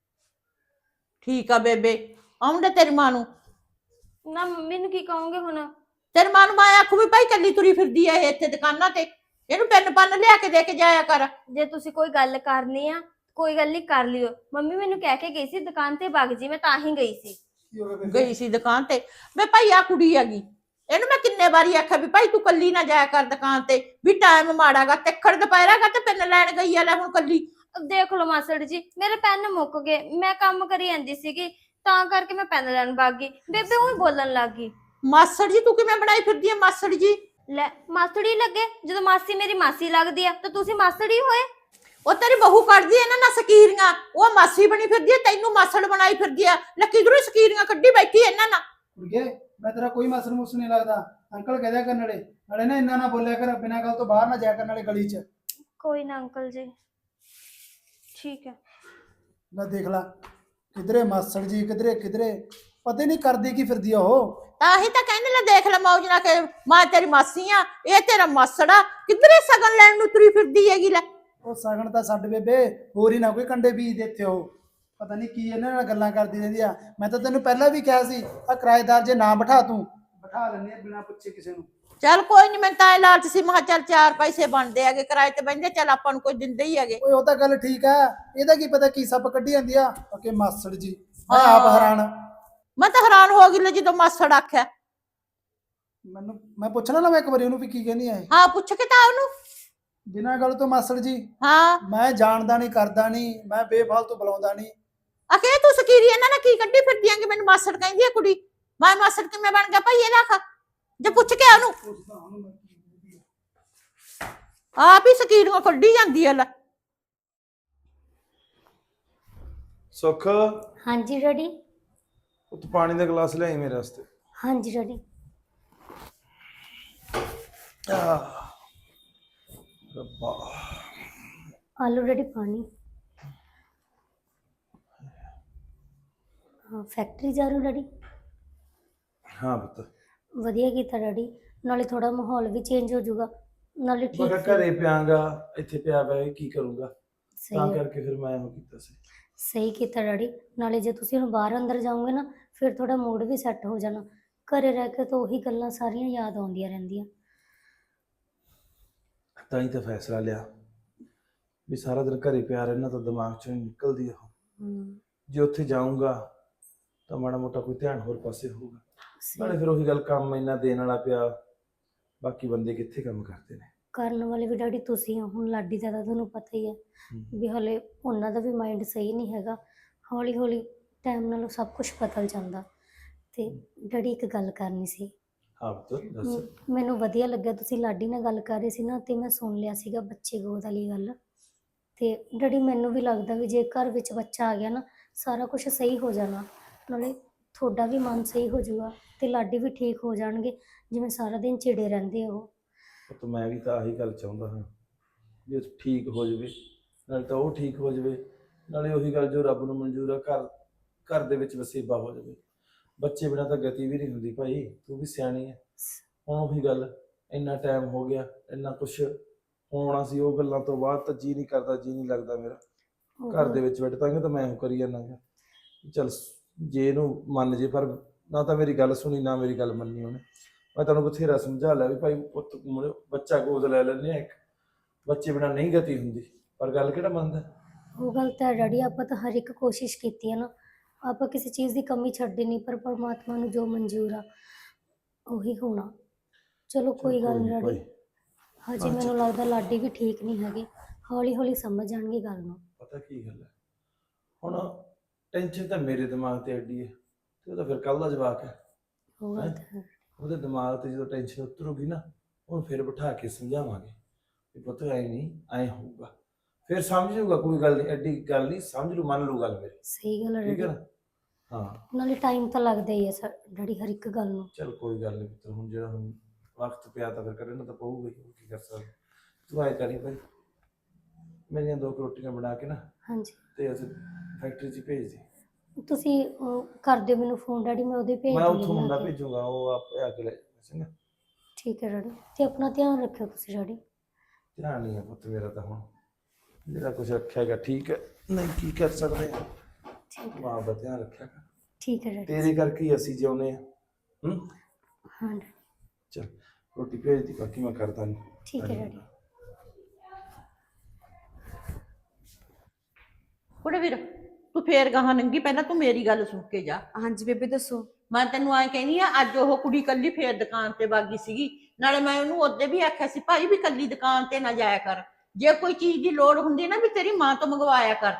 [SPEAKER 5] ਠੀਕ ਆ ਬੇਬੇ, ਆਉਂਦੇ ਤੇਰੀ ਮਾਂ ਨੂੰ।
[SPEAKER 1] ਨਾ ਮੰਮੀ ਨੂੰ ਕੀ ਕਹੋਗੇ ਹੁਣ?
[SPEAKER 5] ਤੇਰੀ ਮਾਂ ਨੂੰ ਮੈਂ ਆਖੂ ਵੀ ਭਾਈ ਕੱਲੀ ਤੁਰੀ ਫਿਰਦੀ ਆ ਇਹ ਇੱਥੇ ਦੁਕਾਨਾਂ ਤੇ, ਇਹਨੂੰ ਪੈਨ ਪੰਨ ਲਿਆ ਕੇ ਦੇ ਕੇ ਜਾਇਆ ਕਰ।
[SPEAKER 1] ਜੇ ਤੁਸੀਂ ਕੋਈ ਗੱਲ ਕਰਨੀ ਆ ਕੋਈ ਗੱਲ ਨਹੀਂ ਕਰ ਲਿਓ। ਮੰਮੀ ਮੈਨੂੰ ਕਹਿ ਕੇ ਗਈ ਸੀ ਦੁਕਾਨ ਤੇ ਵਗ ਜੀ, ਮੈਂ ਤਾਂ ਹੀ ਗਈ ਸੀ।
[SPEAKER 5] ਗਈ ਸੀ ਦੁਕਾਨ ਤੇ? ਵੇ ਭਾਈ ਆ ਕੁੜੀ ਹੈਗੀ, ਇਹਨੂੰ ਮੈਂ ਕਿੰਨੇ ਵਾਰੀ ਆਖਿਆ ਵੀ ਭਾਈ ਤੂੰ ਕੱਲੀ ਨਾ ਜਾਇਆ ਕਰ ਦੁਕਾਨ ਤੇ, ਵੀ ਟਾਈਮ ਮਾੜਾਗਾ, ਤਿੱਖੜ ਦੁਪਹਿਰਾਗਾ ਤੇ ਪੈਨ ਲੈਣ ਗਈ ਆ ਲੈ ਹੁਣ ਕੱਲੀ।
[SPEAKER 1] ਦੇਖ ਲਓ ਮਾਸੜ ਜੀ, ਮੇਰੇ ਪੈਨ ਮੁੱਕ ਗਏ, ਮੈਂ ਕੰਮ ਕਰੀ ਜਾਂਦੀ ਸੀਗੀ ਤਾਂ ਕਰਕੇ ਮੈਂ ਪੈਨ ਲੈਣ ਵਗ ਗਈ। ਬੇਬੇ ਉਹੀ ਬੋਲਣ ਲੱਗ ਗਈ।
[SPEAKER 5] ਮਾਸੜ ਜੀ ਤੂੰ ਕਿਵੇਂ ਬਣਾਈ ਫਿਰਦੀ ਐ ਮਾਸੜ ਜੀ?
[SPEAKER 1] ਲੈ ਮਾਸੜੀ ਲੱਗੇ, ਜਦੋਂ ਮਾਸੀ ਮੇਰੀ ਮਾਸੀ ਲੱਗਦੀ ਆ ਤਾਂ ਤੁਸੀਂ ਮਾਸੜੀ ਹੋਏ।
[SPEAKER 5] ਉਹ ਤੇਰੀ ਬਹੂ ਕੱਢਦੀ ਐ ਨਾ ਨਾ ਸਕੀਰੀਆਂ, ਉਹ ਮਾਸੀ ਬਣੀ ਫਿਰਦੀ ਐ, ਤੈਨੂੰ ਮਾਸੜ ਬਣਾਈ ਫਿਰਦੀ ਐ। ਲੈ ਕਿਧਰੋਂ ਸਕੀਰੀਆਂ ਕੱਢੀ ਬੈਠੀ ਇਹਨਾਂ ਨਾਲ।
[SPEAKER 6] ਕੁੜੀਏ ਮੈਂ ਤੇਰਾ ਕੋਈ ਮਸਲ ਮੁਸ ਨਹੀਂ ਲੱਗਦਾ। ਅੰਕਲ ਕਹਿ ਦਿਆ ਕਰਨ ਵਾਲੇ ਨਾਲੇ ਨਾ ਇੰਨਾ ਨਾ ਬੋਲਿਆ ਕਰ, ਬਿਨਾਂ ਗੱਲ ਤੋਂ ਬਾਹਰ ਨਾ ਜਾਇਆ ਕਰਨ ਵਾਲੇ ਗਲੀ 'ਚ।
[SPEAKER 1] ਕੋਈ ਨਾ ਅੰਕਲ ਜੀ, ਠੀਕ ਹੈ।
[SPEAKER 6] ਨਾ ਦੇਖ ਲਾ ਕਿਧਰੇ ਮਾਸੜ ਜੀ ਕਿਧਰੇ ਕਿਧਰੇ, ਪਤਾ ਨਹੀਂ ਕਰਦੀ ਕੀ ਫਿਰਦੀ ਆ ਉਹ।
[SPEAKER 5] ਤਾਂ ਹੀ ਤਾਂ ਕਹਿੰਦੇ ਲੈ ਦੇਖ ਲੈ ਮੌਜ ਨਾ ਕੇ ਮਾਂ ਤੇਰੀ ਮਾਸੀ ਆ, ਇਹ ਤੇਰਾ ਮਾਸੜ ਆ, ਕਿਧਰੇ ਸਗਨ ਲੈਣ ਨੂੰ ਤੁਰੀ ਫਿਰਦੀ ਹੈਗੀ। ਲੈ
[SPEAKER 6] ਉਹ ਸਗਣ ਤਾਂ ਛੱਡ ਬੇਬੇ, ਹੋਰ ਹੀ ਨਾ ਕੋਈ ਕੰਡੇ ਬੀਜ ਦੇ ਇੱਥੇ ਉਹ। ਪਤਾ ਨਹੀਂ ਕੀ ਇਹਨਾਂ ਨਾਲ ਗੱਲਾਂ ਕਰਦੀ ਰਹਿੰਦੀ ਆ। ਮੈਂ ਤਾਂ ਤੈਨੂੰ ਪਹਿਲਾਂ ਵੀ ਕਿਹਾ ਸੀ ਆ ਕਿਰਾਏਦਾਰ ਜੇ ਨਾ ਬਿਠਾ ਤੂੰ, ਬਿਠਾ ਲੈਂਦੇ ਆ ਬਿਨਾਂ ਪੁੱਛੇ ਕਿਸੇ ਨੂੰ।
[SPEAKER 5] ਚੱਲ ਕੋਈ ਨਹੀਂ, ਮੈਂ ਤਾਂ ਇਹ ਲਾਲਚ ਸੀ, ਮੈਂ ਕਿਹਾ ਚੱਲ ਚਾਰ ਪੈਸੇ ਬਣਦੇ ਹੈਗੇ ਕਿਰਾਏ ਤੇ ਬਹਿੰਦੇ, ਚੱਲ ਆਪਾਂ ਨੂੰ ਕੋਈ ਦਿੰਦੇ ਹੀ ਹੈਗੇ।
[SPEAKER 6] ਓਏ ਉਹ ਤਾਂ ਗੱਲ ਠੀਕ ਆ, ਇਹਦਾ ਕੀ ਪਤਾ ਕੀ ਸੱਪ ਕੱਢੀ ਜਾਂਦੀ ਆ ਕਿ ਮਾਸੜ ਜੀ। ਮੈਂ ਆਪ ਹੈਰਾਨ,
[SPEAKER 5] ਮੈਂ ਤਾਂ ਹੈਰਾਨ ਹੋ ਗਈ ਲੈ ਜਦੋਂ ਮਾਸੜ ਆਖਿਆ।
[SPEAKER 6] ਮੈਨੂੰ ਮੈਂ ਪੁੱਛਣਾ ਨਾ ਮੈਂ ਇੱਕ ਵਾਰੀ ਉਹਨੂੰ ਵੀ ਕੀ ਕਹਿੰਦੀ ਆ ਇਹ।
[SPEAKER 5] ਹਾਂ ਪੁੱਛ ਕੇ ਤਾਂ ਉਹਨੂੰ।
[SPEAKER 6] ਬਿਨਾਂ ਗੱਲ ਤੋਂ ਮਾਸੜ ਜੀ
[SPEAKER 5] ਹਾਂ
[SPEAKER 6] ਮੈਂ ਜਾਣਦਾ ਨਹੀਂ ਕਰਦਾ ਨਹੀਂ, ਮੈਂ ਬੇਫਾਲਤੂ ਬੁਲਾਉਂਦਾ ਨਹੀਂ।
[SPEAKER 5] ਆਖੇ ਤੂੰ ਸਕੀਰੀ ਇਹਨਾਂ ਨਾਲ ਕੀ ਕੱਢੀ ਫਿਰਦੀ ਆਂ ਕਿ ਮੈਨੂੰ ਮਾਸੜ ਕਹਿੰਦੀ ਆ ਕੁੜੀ। ਮੈਂ ਮਾਸੜ ਕਿਵੇਂ ਬਣ ਗਿਆ ਭਾਈ ਇਹਦਾ? ਆਖਾ ਜੇ ਪੁੱਛ ਕੇ ਉਹਨੂੰ, ਆਪ ਹੀ ਸਕੀਰੀਆਂ ਕੱਢੀ ਜਾਂਦੀ ਆ। ਲੈ
[SPEAKER 7] ਸੁੱਖ,
[SPEAKER 3] ਹਾਂਜੀ ਡੈਡੀ।
[SPEAKER 7] ਉਹ ਤੂੰ ਪਾਣੀ ਦਾ ਗਲਾਸ ਲਿਆਈ ਮੇਰੇ ਵਾਸਤੇ।
[SPEAKER 3] ਹਾਂਜੀ ਡੈਡੀ।
[SPEAKER 7] ਰੱਬਾ,
[SPEAKER 3] ਆਲੂ ਡੈਡੀ ਪਾਣੀ। ਹਾਂ ਫੈਕਟਰੀ ਜਾ ਰਹੇ ਹੋ ਡੈਡੀ?
[SPEAKER 7] ਹਾਂ ਪੁੱਤ,
[SPEAKER 3] ਵਧੀਆ ਕੀਤਾ ਡੈਡੀ, ਨਾਲੇ ਥੋੜਾ ਮਾਹੌਲ ਵੀ ਚੇਂਜ ਹੋ ਜਾਊਗਾ, ਨਾਲੇ
[SPEAKER 7] ਮੈਂ
[SPEAKER 3] ਠੀਕ
[SPEAKER 7] ਕਿਹਾ ਘਰੇ ਪਿਆਂਗਾ, ਇੱਥੇ ਪਿਆ ਪਿਆ ਕੀ ਕਰੂੰਗਾ,
[SPEAKER 3] ਸਹੀ
[SPEAKER 7] ਤਾਂ
[SPEAKER 3] ਹੈ।
[SPEAKER 7] ਕਰਕੇ ਫਿਰ ਮੈਂ ਉਹ ਕੀਤਾ ਸੀ।
[SPEAKER 3] ਸਹੀ ਕੀਤਾ ਡੈਡੀ, ਨਾਲੇ ਜੇ ਤੁਸੀਂ ਹੁਣ ਬਾਹਰ ਅੰਦਰ ਜਾਓਗੇ ਨਾ ਫਿਰ ਥੋੜਾ ਮੂਡ ਵੀ ਸੈੱਟ ਹੋ ਜਾਣਾ। ਘਰੇ ਰਹਿ ਕੇ ਤਾਂ ਉਹੀ ਗੱਲਾਂ ਸਾਰੀਆਂ ਯਾਦ ਆਉਂਦੀਆਂ ਰਹਿੰਦੀਆਂ।
[SPEAKER 7] ਤਾਂ ਹੀ ਤਾਂ ਫੈਸਲਾ ਲਿਆ ਵੀ ਸਾਰਾ ਦਿਨ ਘਰੇ ਪਿਆ ਰਹਿਣਾ ਤਾਂ ਦਿਮਾਗ ਚੋਂ ਨਹੀਂ ਨਿਕਲਦੀ ਉਹ।
[SPEAKER 3] ਹਮ,
[SPEAKER 7] ਜੇ ਉੱਥੇ ਜਾਊਂਗਾ ਤਾਂ ਮਾੜਾ ਮੋਟਾ ਕੋਈ ਧਿਆਨ ਹੋਰ ਪਾਸੇ ਹੋਊਗਾ। ਨਾਲੇ
[SPEAKER 3] ਸਹੀ।
[SPEAKER 7] ਫਿਰ ਉਹੀ ਗੱਲ, ਕੰਮ ਇੰਨਾ ਦੇਣ ਵਾਲਾ ਪਿਆ, ਬਾਕੀ ਬੰਦੇ ਕਿੱਥੇ ਕੰਮ ਕਰਦੇ ਨੇ।
[SPEAKER 3] ਕਰਨ ਵਾਲੇ ਵੀ ਡੈਡੀ ਤੁਸੀਂ ਹੋ। ਹੁਣ ਲਾਡੀ ਦਾ ਤਾਂ ਤੁਹਾਨੂੰ ਪਤਾ ਹੀ ਹੈ
[SPEAKER 7] ਹਮ।
[SPEAKER 3] ਵੀ ਹਲੇ ਉਹਨਾਂ ਦਾ ਵੀ ਮਾਈਂਡ ਸਹੀ ਨਹੀਂ ਹੈਗਾ। ਹੌਲੀ ਹੌਲੀ ਟਾਈਮ ਨਾਲ ਸਭ ਕੁਝ ਬਦਲ ਜਾਂਦਾ। ਤੇ ਡੈਡੀ ਇੱਕ ਗੱਲ ਕਰਨੀ ਸੀ।
[SPEAKER 7] ਹਾਂ ਪੁੱਤ ਦੱਸ।
[SPEAKER 3] ਮ- ਮੈਨੂੰ ਵਧੀਆ ਲੱਗਿਆ ਤੁਸੀਂ ਲਾਡੀ ਨਾਲ ਗੱਲ ਕਰ ਰਹੇ ਸੀ ਨਾ, ਤੇ ਮੈਂ ਸੁਣ ਲਿਆ ਸੀਗਾ ਬੱਚੇ ਗੋਦ ਵਾਲੀ ਗੱਲ। ਤੇ ਡੈਡੀ ਮੈਨੂੰ ਵੀ ਲੱਗਦਾ ਵੀ ਜੇ ਘਰ ਵਿੱਚ ਬੱਚਾ ਆ ਗਿਆ ਨਾ ਸਾਰਾ ਕੁਝ ਸਹੀ ਹੋ ਜਾਣਾ, ਨਾਲੇ ਤੁਹਾਡਾ ਵੀ ਮਨ ਸਹੀ ਹੋ ਜਾਊਗਾ ਤੇ ਲਾਡੀ ਵੀ ਠੀਕ ਹੋ ਜਾਣਗੇ, ਜਿਵੇਂ ਸਾਰਾ ਦਿਨ ਚਿੜੇ ਰਹਿੰਦੇ ਆ ਉਹ।
[SPEAKER 7] ਪੁੱਤ ਮੈਂ ਵੀ ਤਾਂ ਆਹੀ ਗੱਲ ਚਾਹੁੰਦਾ ਹਾਂ ਵੀ ਉਹ ਠੀਕ ਹੋ ਜਾਵੇ, ਨਾਲੇ ਤਾਂ ਉਹ ਠੀਕ ਹੋ ਜਾਵੇ, ਨਾਲੇ ਉਹੀ ਗੱਲ ਜੋ ਰੱਬ ਨੂੰ ਮਨਜ਼ੂਰ ਆ, ਘਰ ਘਰ ਦੇ ਵਿੱਚ ਵਸੇਬਾ ਹੋ ਜਾਵੇ। ਬੱਚੇ ਬਿਨਾਂ ਤਾਂ ਗਤੀ ਵੀ ਨਹੀਂ ਹੁੰਦੀ ਭਾਈ, ਤੂੰ ਵੀ ਸਿਆਣੀ ਹੈ। ਹੁਣ ਉਹੀ ਗੱਲ, ਇੰਨਾ ਟਾਈਮ ਹੋ ਗਿਆ, ਇੰਨਾ ਕੁਛ ਹੋਣਾ ਸੀ, ਉਹ ਗੱਲਾਂ ਤੋਂ ਬਾਅਦ ਤਾਂ ਜੀ ਨਹੀਂ ਕਰਦਾ, ਜੀ ਨਹੀਂ ਲੱਗਦਾ ਮੇਰਾ
[SPEAKER 3] ਉਹ
[SPEAKER 7] ਘਰ ਦੇ ਵਿੱਚ ਬੈਠ ਤਾਂ ਤਾਂ ਮੈਂ ਉਹ ਕਰੀ ਜਾਂਦਾ ਗਾ। ਚੱਲ ਜੇ ਇਹਨੂੰ ਮੰਨ ਜੇ, ਪਰ ਨਾ ਤਾਂ ਮੇਰੀ ਗੱਲ ਸੁਣੀ ਨਾ ਮੇਰੀ ਗੱਲ ਮੰਨੀ ਉਹਨੇ। ਮੈਂ ਤੁਹਾਨੂੰ ਬਥੇਰਾ ਸਮਝਾ ਲਿਆ ਵੀ ਭਾਈ ਪੁੱਤ ਮੁੰਡੇ ਬੱਚਾ ਗੋਦ ਲੈ ਲੈਂਦੇ ਆ, ਇੱਕ ਬੱਚੇ ਬਿਨਾਂ ਨਹੀਂ ਗਤੀ ਹੁੰਦੀ, ਪਰ ਗੱਲ ਕਿਹੜਾ ਮੰਨਦਾ।
[SPEAKER 3] ਉਹ ਗੱਲ ਤਾਂ ਹੈ ਡੈਡੀ, ਆਪਾਂ ਤਾਂ ਹਰ ਇੱਕ ਕੋਸ਼ਿਸ਼ ਕੀਤੀ ਹੈ ਨਾ, ਆਪਾਂ ਕਿਸੇ ਚੀਜ਼ ਦੀ ਕਮੀ ਛੱਡੀ ਨਹੀਂ, ਪਰ ਪਰਮਾਤਮਾ ਨੂੰ ਜੋ ਮਨਜ਼ੂਰ ਆ ਉਹੀ ਹੋਣਾ। ਚਲੋ ਕੋਈ ਗੱਲ ਨਹੀਂ ਡੈਡੀ, ਹਜੇ ਮੈਨੂੰ ਲੱਗਦਾ ਲਾਡੀ ਵੀ ਠੀਕ ਨਹੀਂ ਹੈਗੇ, ਹੌਲੀ ਹੌਲੀ ਸਮਝ ਜਾਣਗੇ ਗੱਲ ਨੂੰ।
[SPEAKER 7] ਪਤਾ ਕੀ ਗੱਲ ਹੈ, ਹੁਣ ਟੈਨਸ਼ਨ ਤਾਂ ਮੇਰੇ ਦਿਮਾਗ ਤੇ ਐਡੀ ਹੈ, ਤੇ ਉਹ ਤਾਂ ਫਿਰ ਕੱਲ ਦਾ ਜਵਾਕ ਹੈ।
[SPEAKER 3] ਉਹ ਗੱਲ ਤਾਂ ਹੈ।
[SPEAKER 7] ਉਹਦੇ ਦਿਮਾਗ ਤੇ ਜਦੋਂ ਟੈਨਸ਼ਨ ਉਤਰੂਗੀ ਨਾ, ਉਹਨੂੰ ਫਿਰ ਬਿਠਾ ਕੇ ਸਮਝਾਵਾਂਗੇ ਵੀ ਪੁੱਤ ਐ ਨਹੀਂ ਐ ਹੋਊਗਾ, ਫਿਰ ਸਮਝ ਲੂਗਾ, ਕੋਈ ਗੱਲ ਨਹੀਂ, ਐਡੀ ਗੱਲ ਨਹੀਂ, ਸਮਝ ਲੂ, ਮੰਨ ਲੂ ਗੱਲ ਮੇਰੀ।
[SPEAKER 3] ਸਹੀ ਗੱਲ ਹੈ
[SPEAKER 7] ਠੀਕ ਹੈ
[SPEAKER 3] ਡੈਡੀ,
[SPEAKER 7] ਨਾ? ਹਾਂ
[SPEAKER 3] ਨਾਲੇ ਟਾਈਮ ਤਾਂ ਲੱਗਦਾ ਹੀ ਹੈ ਸਰ ਡੈਡੀ ਹਰ ਇੱਕ ਗੱਲ ਨੂੰ।
[SPEAKER 7] ਚਲ ਕੋਈ ਗੱਲ ਨਹੀਂ ਪੁੱਤਰ, ਹੁਣ ਜਿਹੜਾ ਹੁਣ ਵਕਤ ਪਿਆ ਤਾਂ ਫਿਰ ਕਰਨਾ ਤਾਂ ਪਊਗਾ ਹੀ, ਹੋਰ ਕੀ ਕਰ ਸਕਦੇ। ਤੂੰ ਐ ਕਰੀ ਭਾਈ, ਮੇਰੀਆਂ ਦੋ ਕੁ ਰੋਟੀਆਂ ਬਣਾ ਕੇ ਨਾ
[SPEAKER 3] ਹਾਂਜੀ
[SPEAKER 7] ਤੇ ਅਸੀਂ ਫੈਕਟਰੀ 'ਚ ਭੇਜ ਦੇ।
[SPEAKER 3] ਤੁਸੀਂ ਉਹ ਕਰ ਦਿਓ ਮੈਨੂੰ ਫੋਨ ਡੈਡੀ, ਮੈਂ ਉਹਦੇ ਭੇਜ
[SPEAKER 7] ਮੈਂ
[SPEAKER 3] ਦੂੰਗੀ
[SPEAKER 7] ਉੱਥੋਂ ਮੁੰਡਾ
[SPEAKER 3] ਬਣਾ ਕੇ।
[SPEAKER 7] ਭੇਜੂਗਾ, ਉਹ ਆਪੇ ਆ ਕੇ ਲੈ ਜਾਊਗਾ, ਚੰਗਾ।
[SPEAKER 3] ਠੀਕ ਹੈ ਡੈਡੀ, ਤੇ ਆਪਣਾ ਧਿਆਨ ਰੱਖਿਓ ਤੁਸੀਂ ਡੈਡੀ।
[SPEAKER 7] ਧਿਆਨ ਨਹੀਂ ਹੈ ਪੁੱਤ ਮੇਰਾ ਤਾਂ, ਹੁਣ ਜਿਹੜਾ ਕੁਛ ਰੱਖਿਆ ਹੈਗਾ ਠੀਕ ਹੈ, ਨਹੀਂ ਕੀ ਕਰ ਸਕਦੇ ਹਾਂ।
[SPEAKER 3] ਠੀਕ ਹੈ
[SPEAKER 7] ਮਾਂ ਦਾ ਧਿਆਨ ਰੱਖਿਆ ਕਰ,
[SPEAKER 3] ਠੀਕ ਹੈ ਡੈਡੀ।
[SPEAKER 7] ਤੇਰੇ ਕਰਕੇ ਹੀ ਅਸੀਂ ਜਿਉਂਦੇ ਹਾਂ। ਹੂੰ
[SPEAKER 3] ਹਾਂ ਡੈਡੀ,
[SPEAKER 7] ਚਲ ਰੋਟੀ ਭੇਜ ਦੀ, ਬਾਕੀ ਮੈਂ ਕਰਦਾ ਨਹੀਂ।
[SPEAKER 3] ਠੀਕ ਹੈ ਡੈਡੀ।
[SPEAKER 5] ਕੁੜੇ ਵੀਰ ਤੂੰ ਫੇਰ ਗਾਹਾਂ ਨੰਗੀ, ਪਹਿਲਾਂ ਤੂੰ ਮੇਰੀ ਗੱਲ ਸੁਣ ਕੇ ਜਾ।
[SPEAKER 8] ਹਾਂਜੀ ਬੇਬੇ ਦੱਸੋ।
[SPEAKER 5] ਮੈਂ ਤੈਨੂੰ ਐਂ ਕਹਿੰਦੀ ਆ, ਅੱਜ ਉਹ ਕੁੜੀ ਕੱਲੀ ਫੇਰ ਦੁਕਾਨ ਤੇ ਬਾਗੀ ਸੀਗੀ, ਨਾਲੇ ਮੈਂ ਉਹਨੂੰ ਉਹਦੇ ਵੀ ਆਖਿਆ ਸੀ ਭਾਈ ਵੀ ਕੱਲੀ ਦੁਕਾਨ ਤੇ ਨਾ ਜਾਇਆ ਕਰ, ਜੇ ਕੋਈ ਚੀਜ਼ ਦੀ ਲੋੜ ਹੁੰਦੀ ਨਾ ਵੀ ਤੇਰੀ ਮਾਂ ਤੋਂ ਮੰਗਵਾਇਆ ਕਰ ਤੂੰ।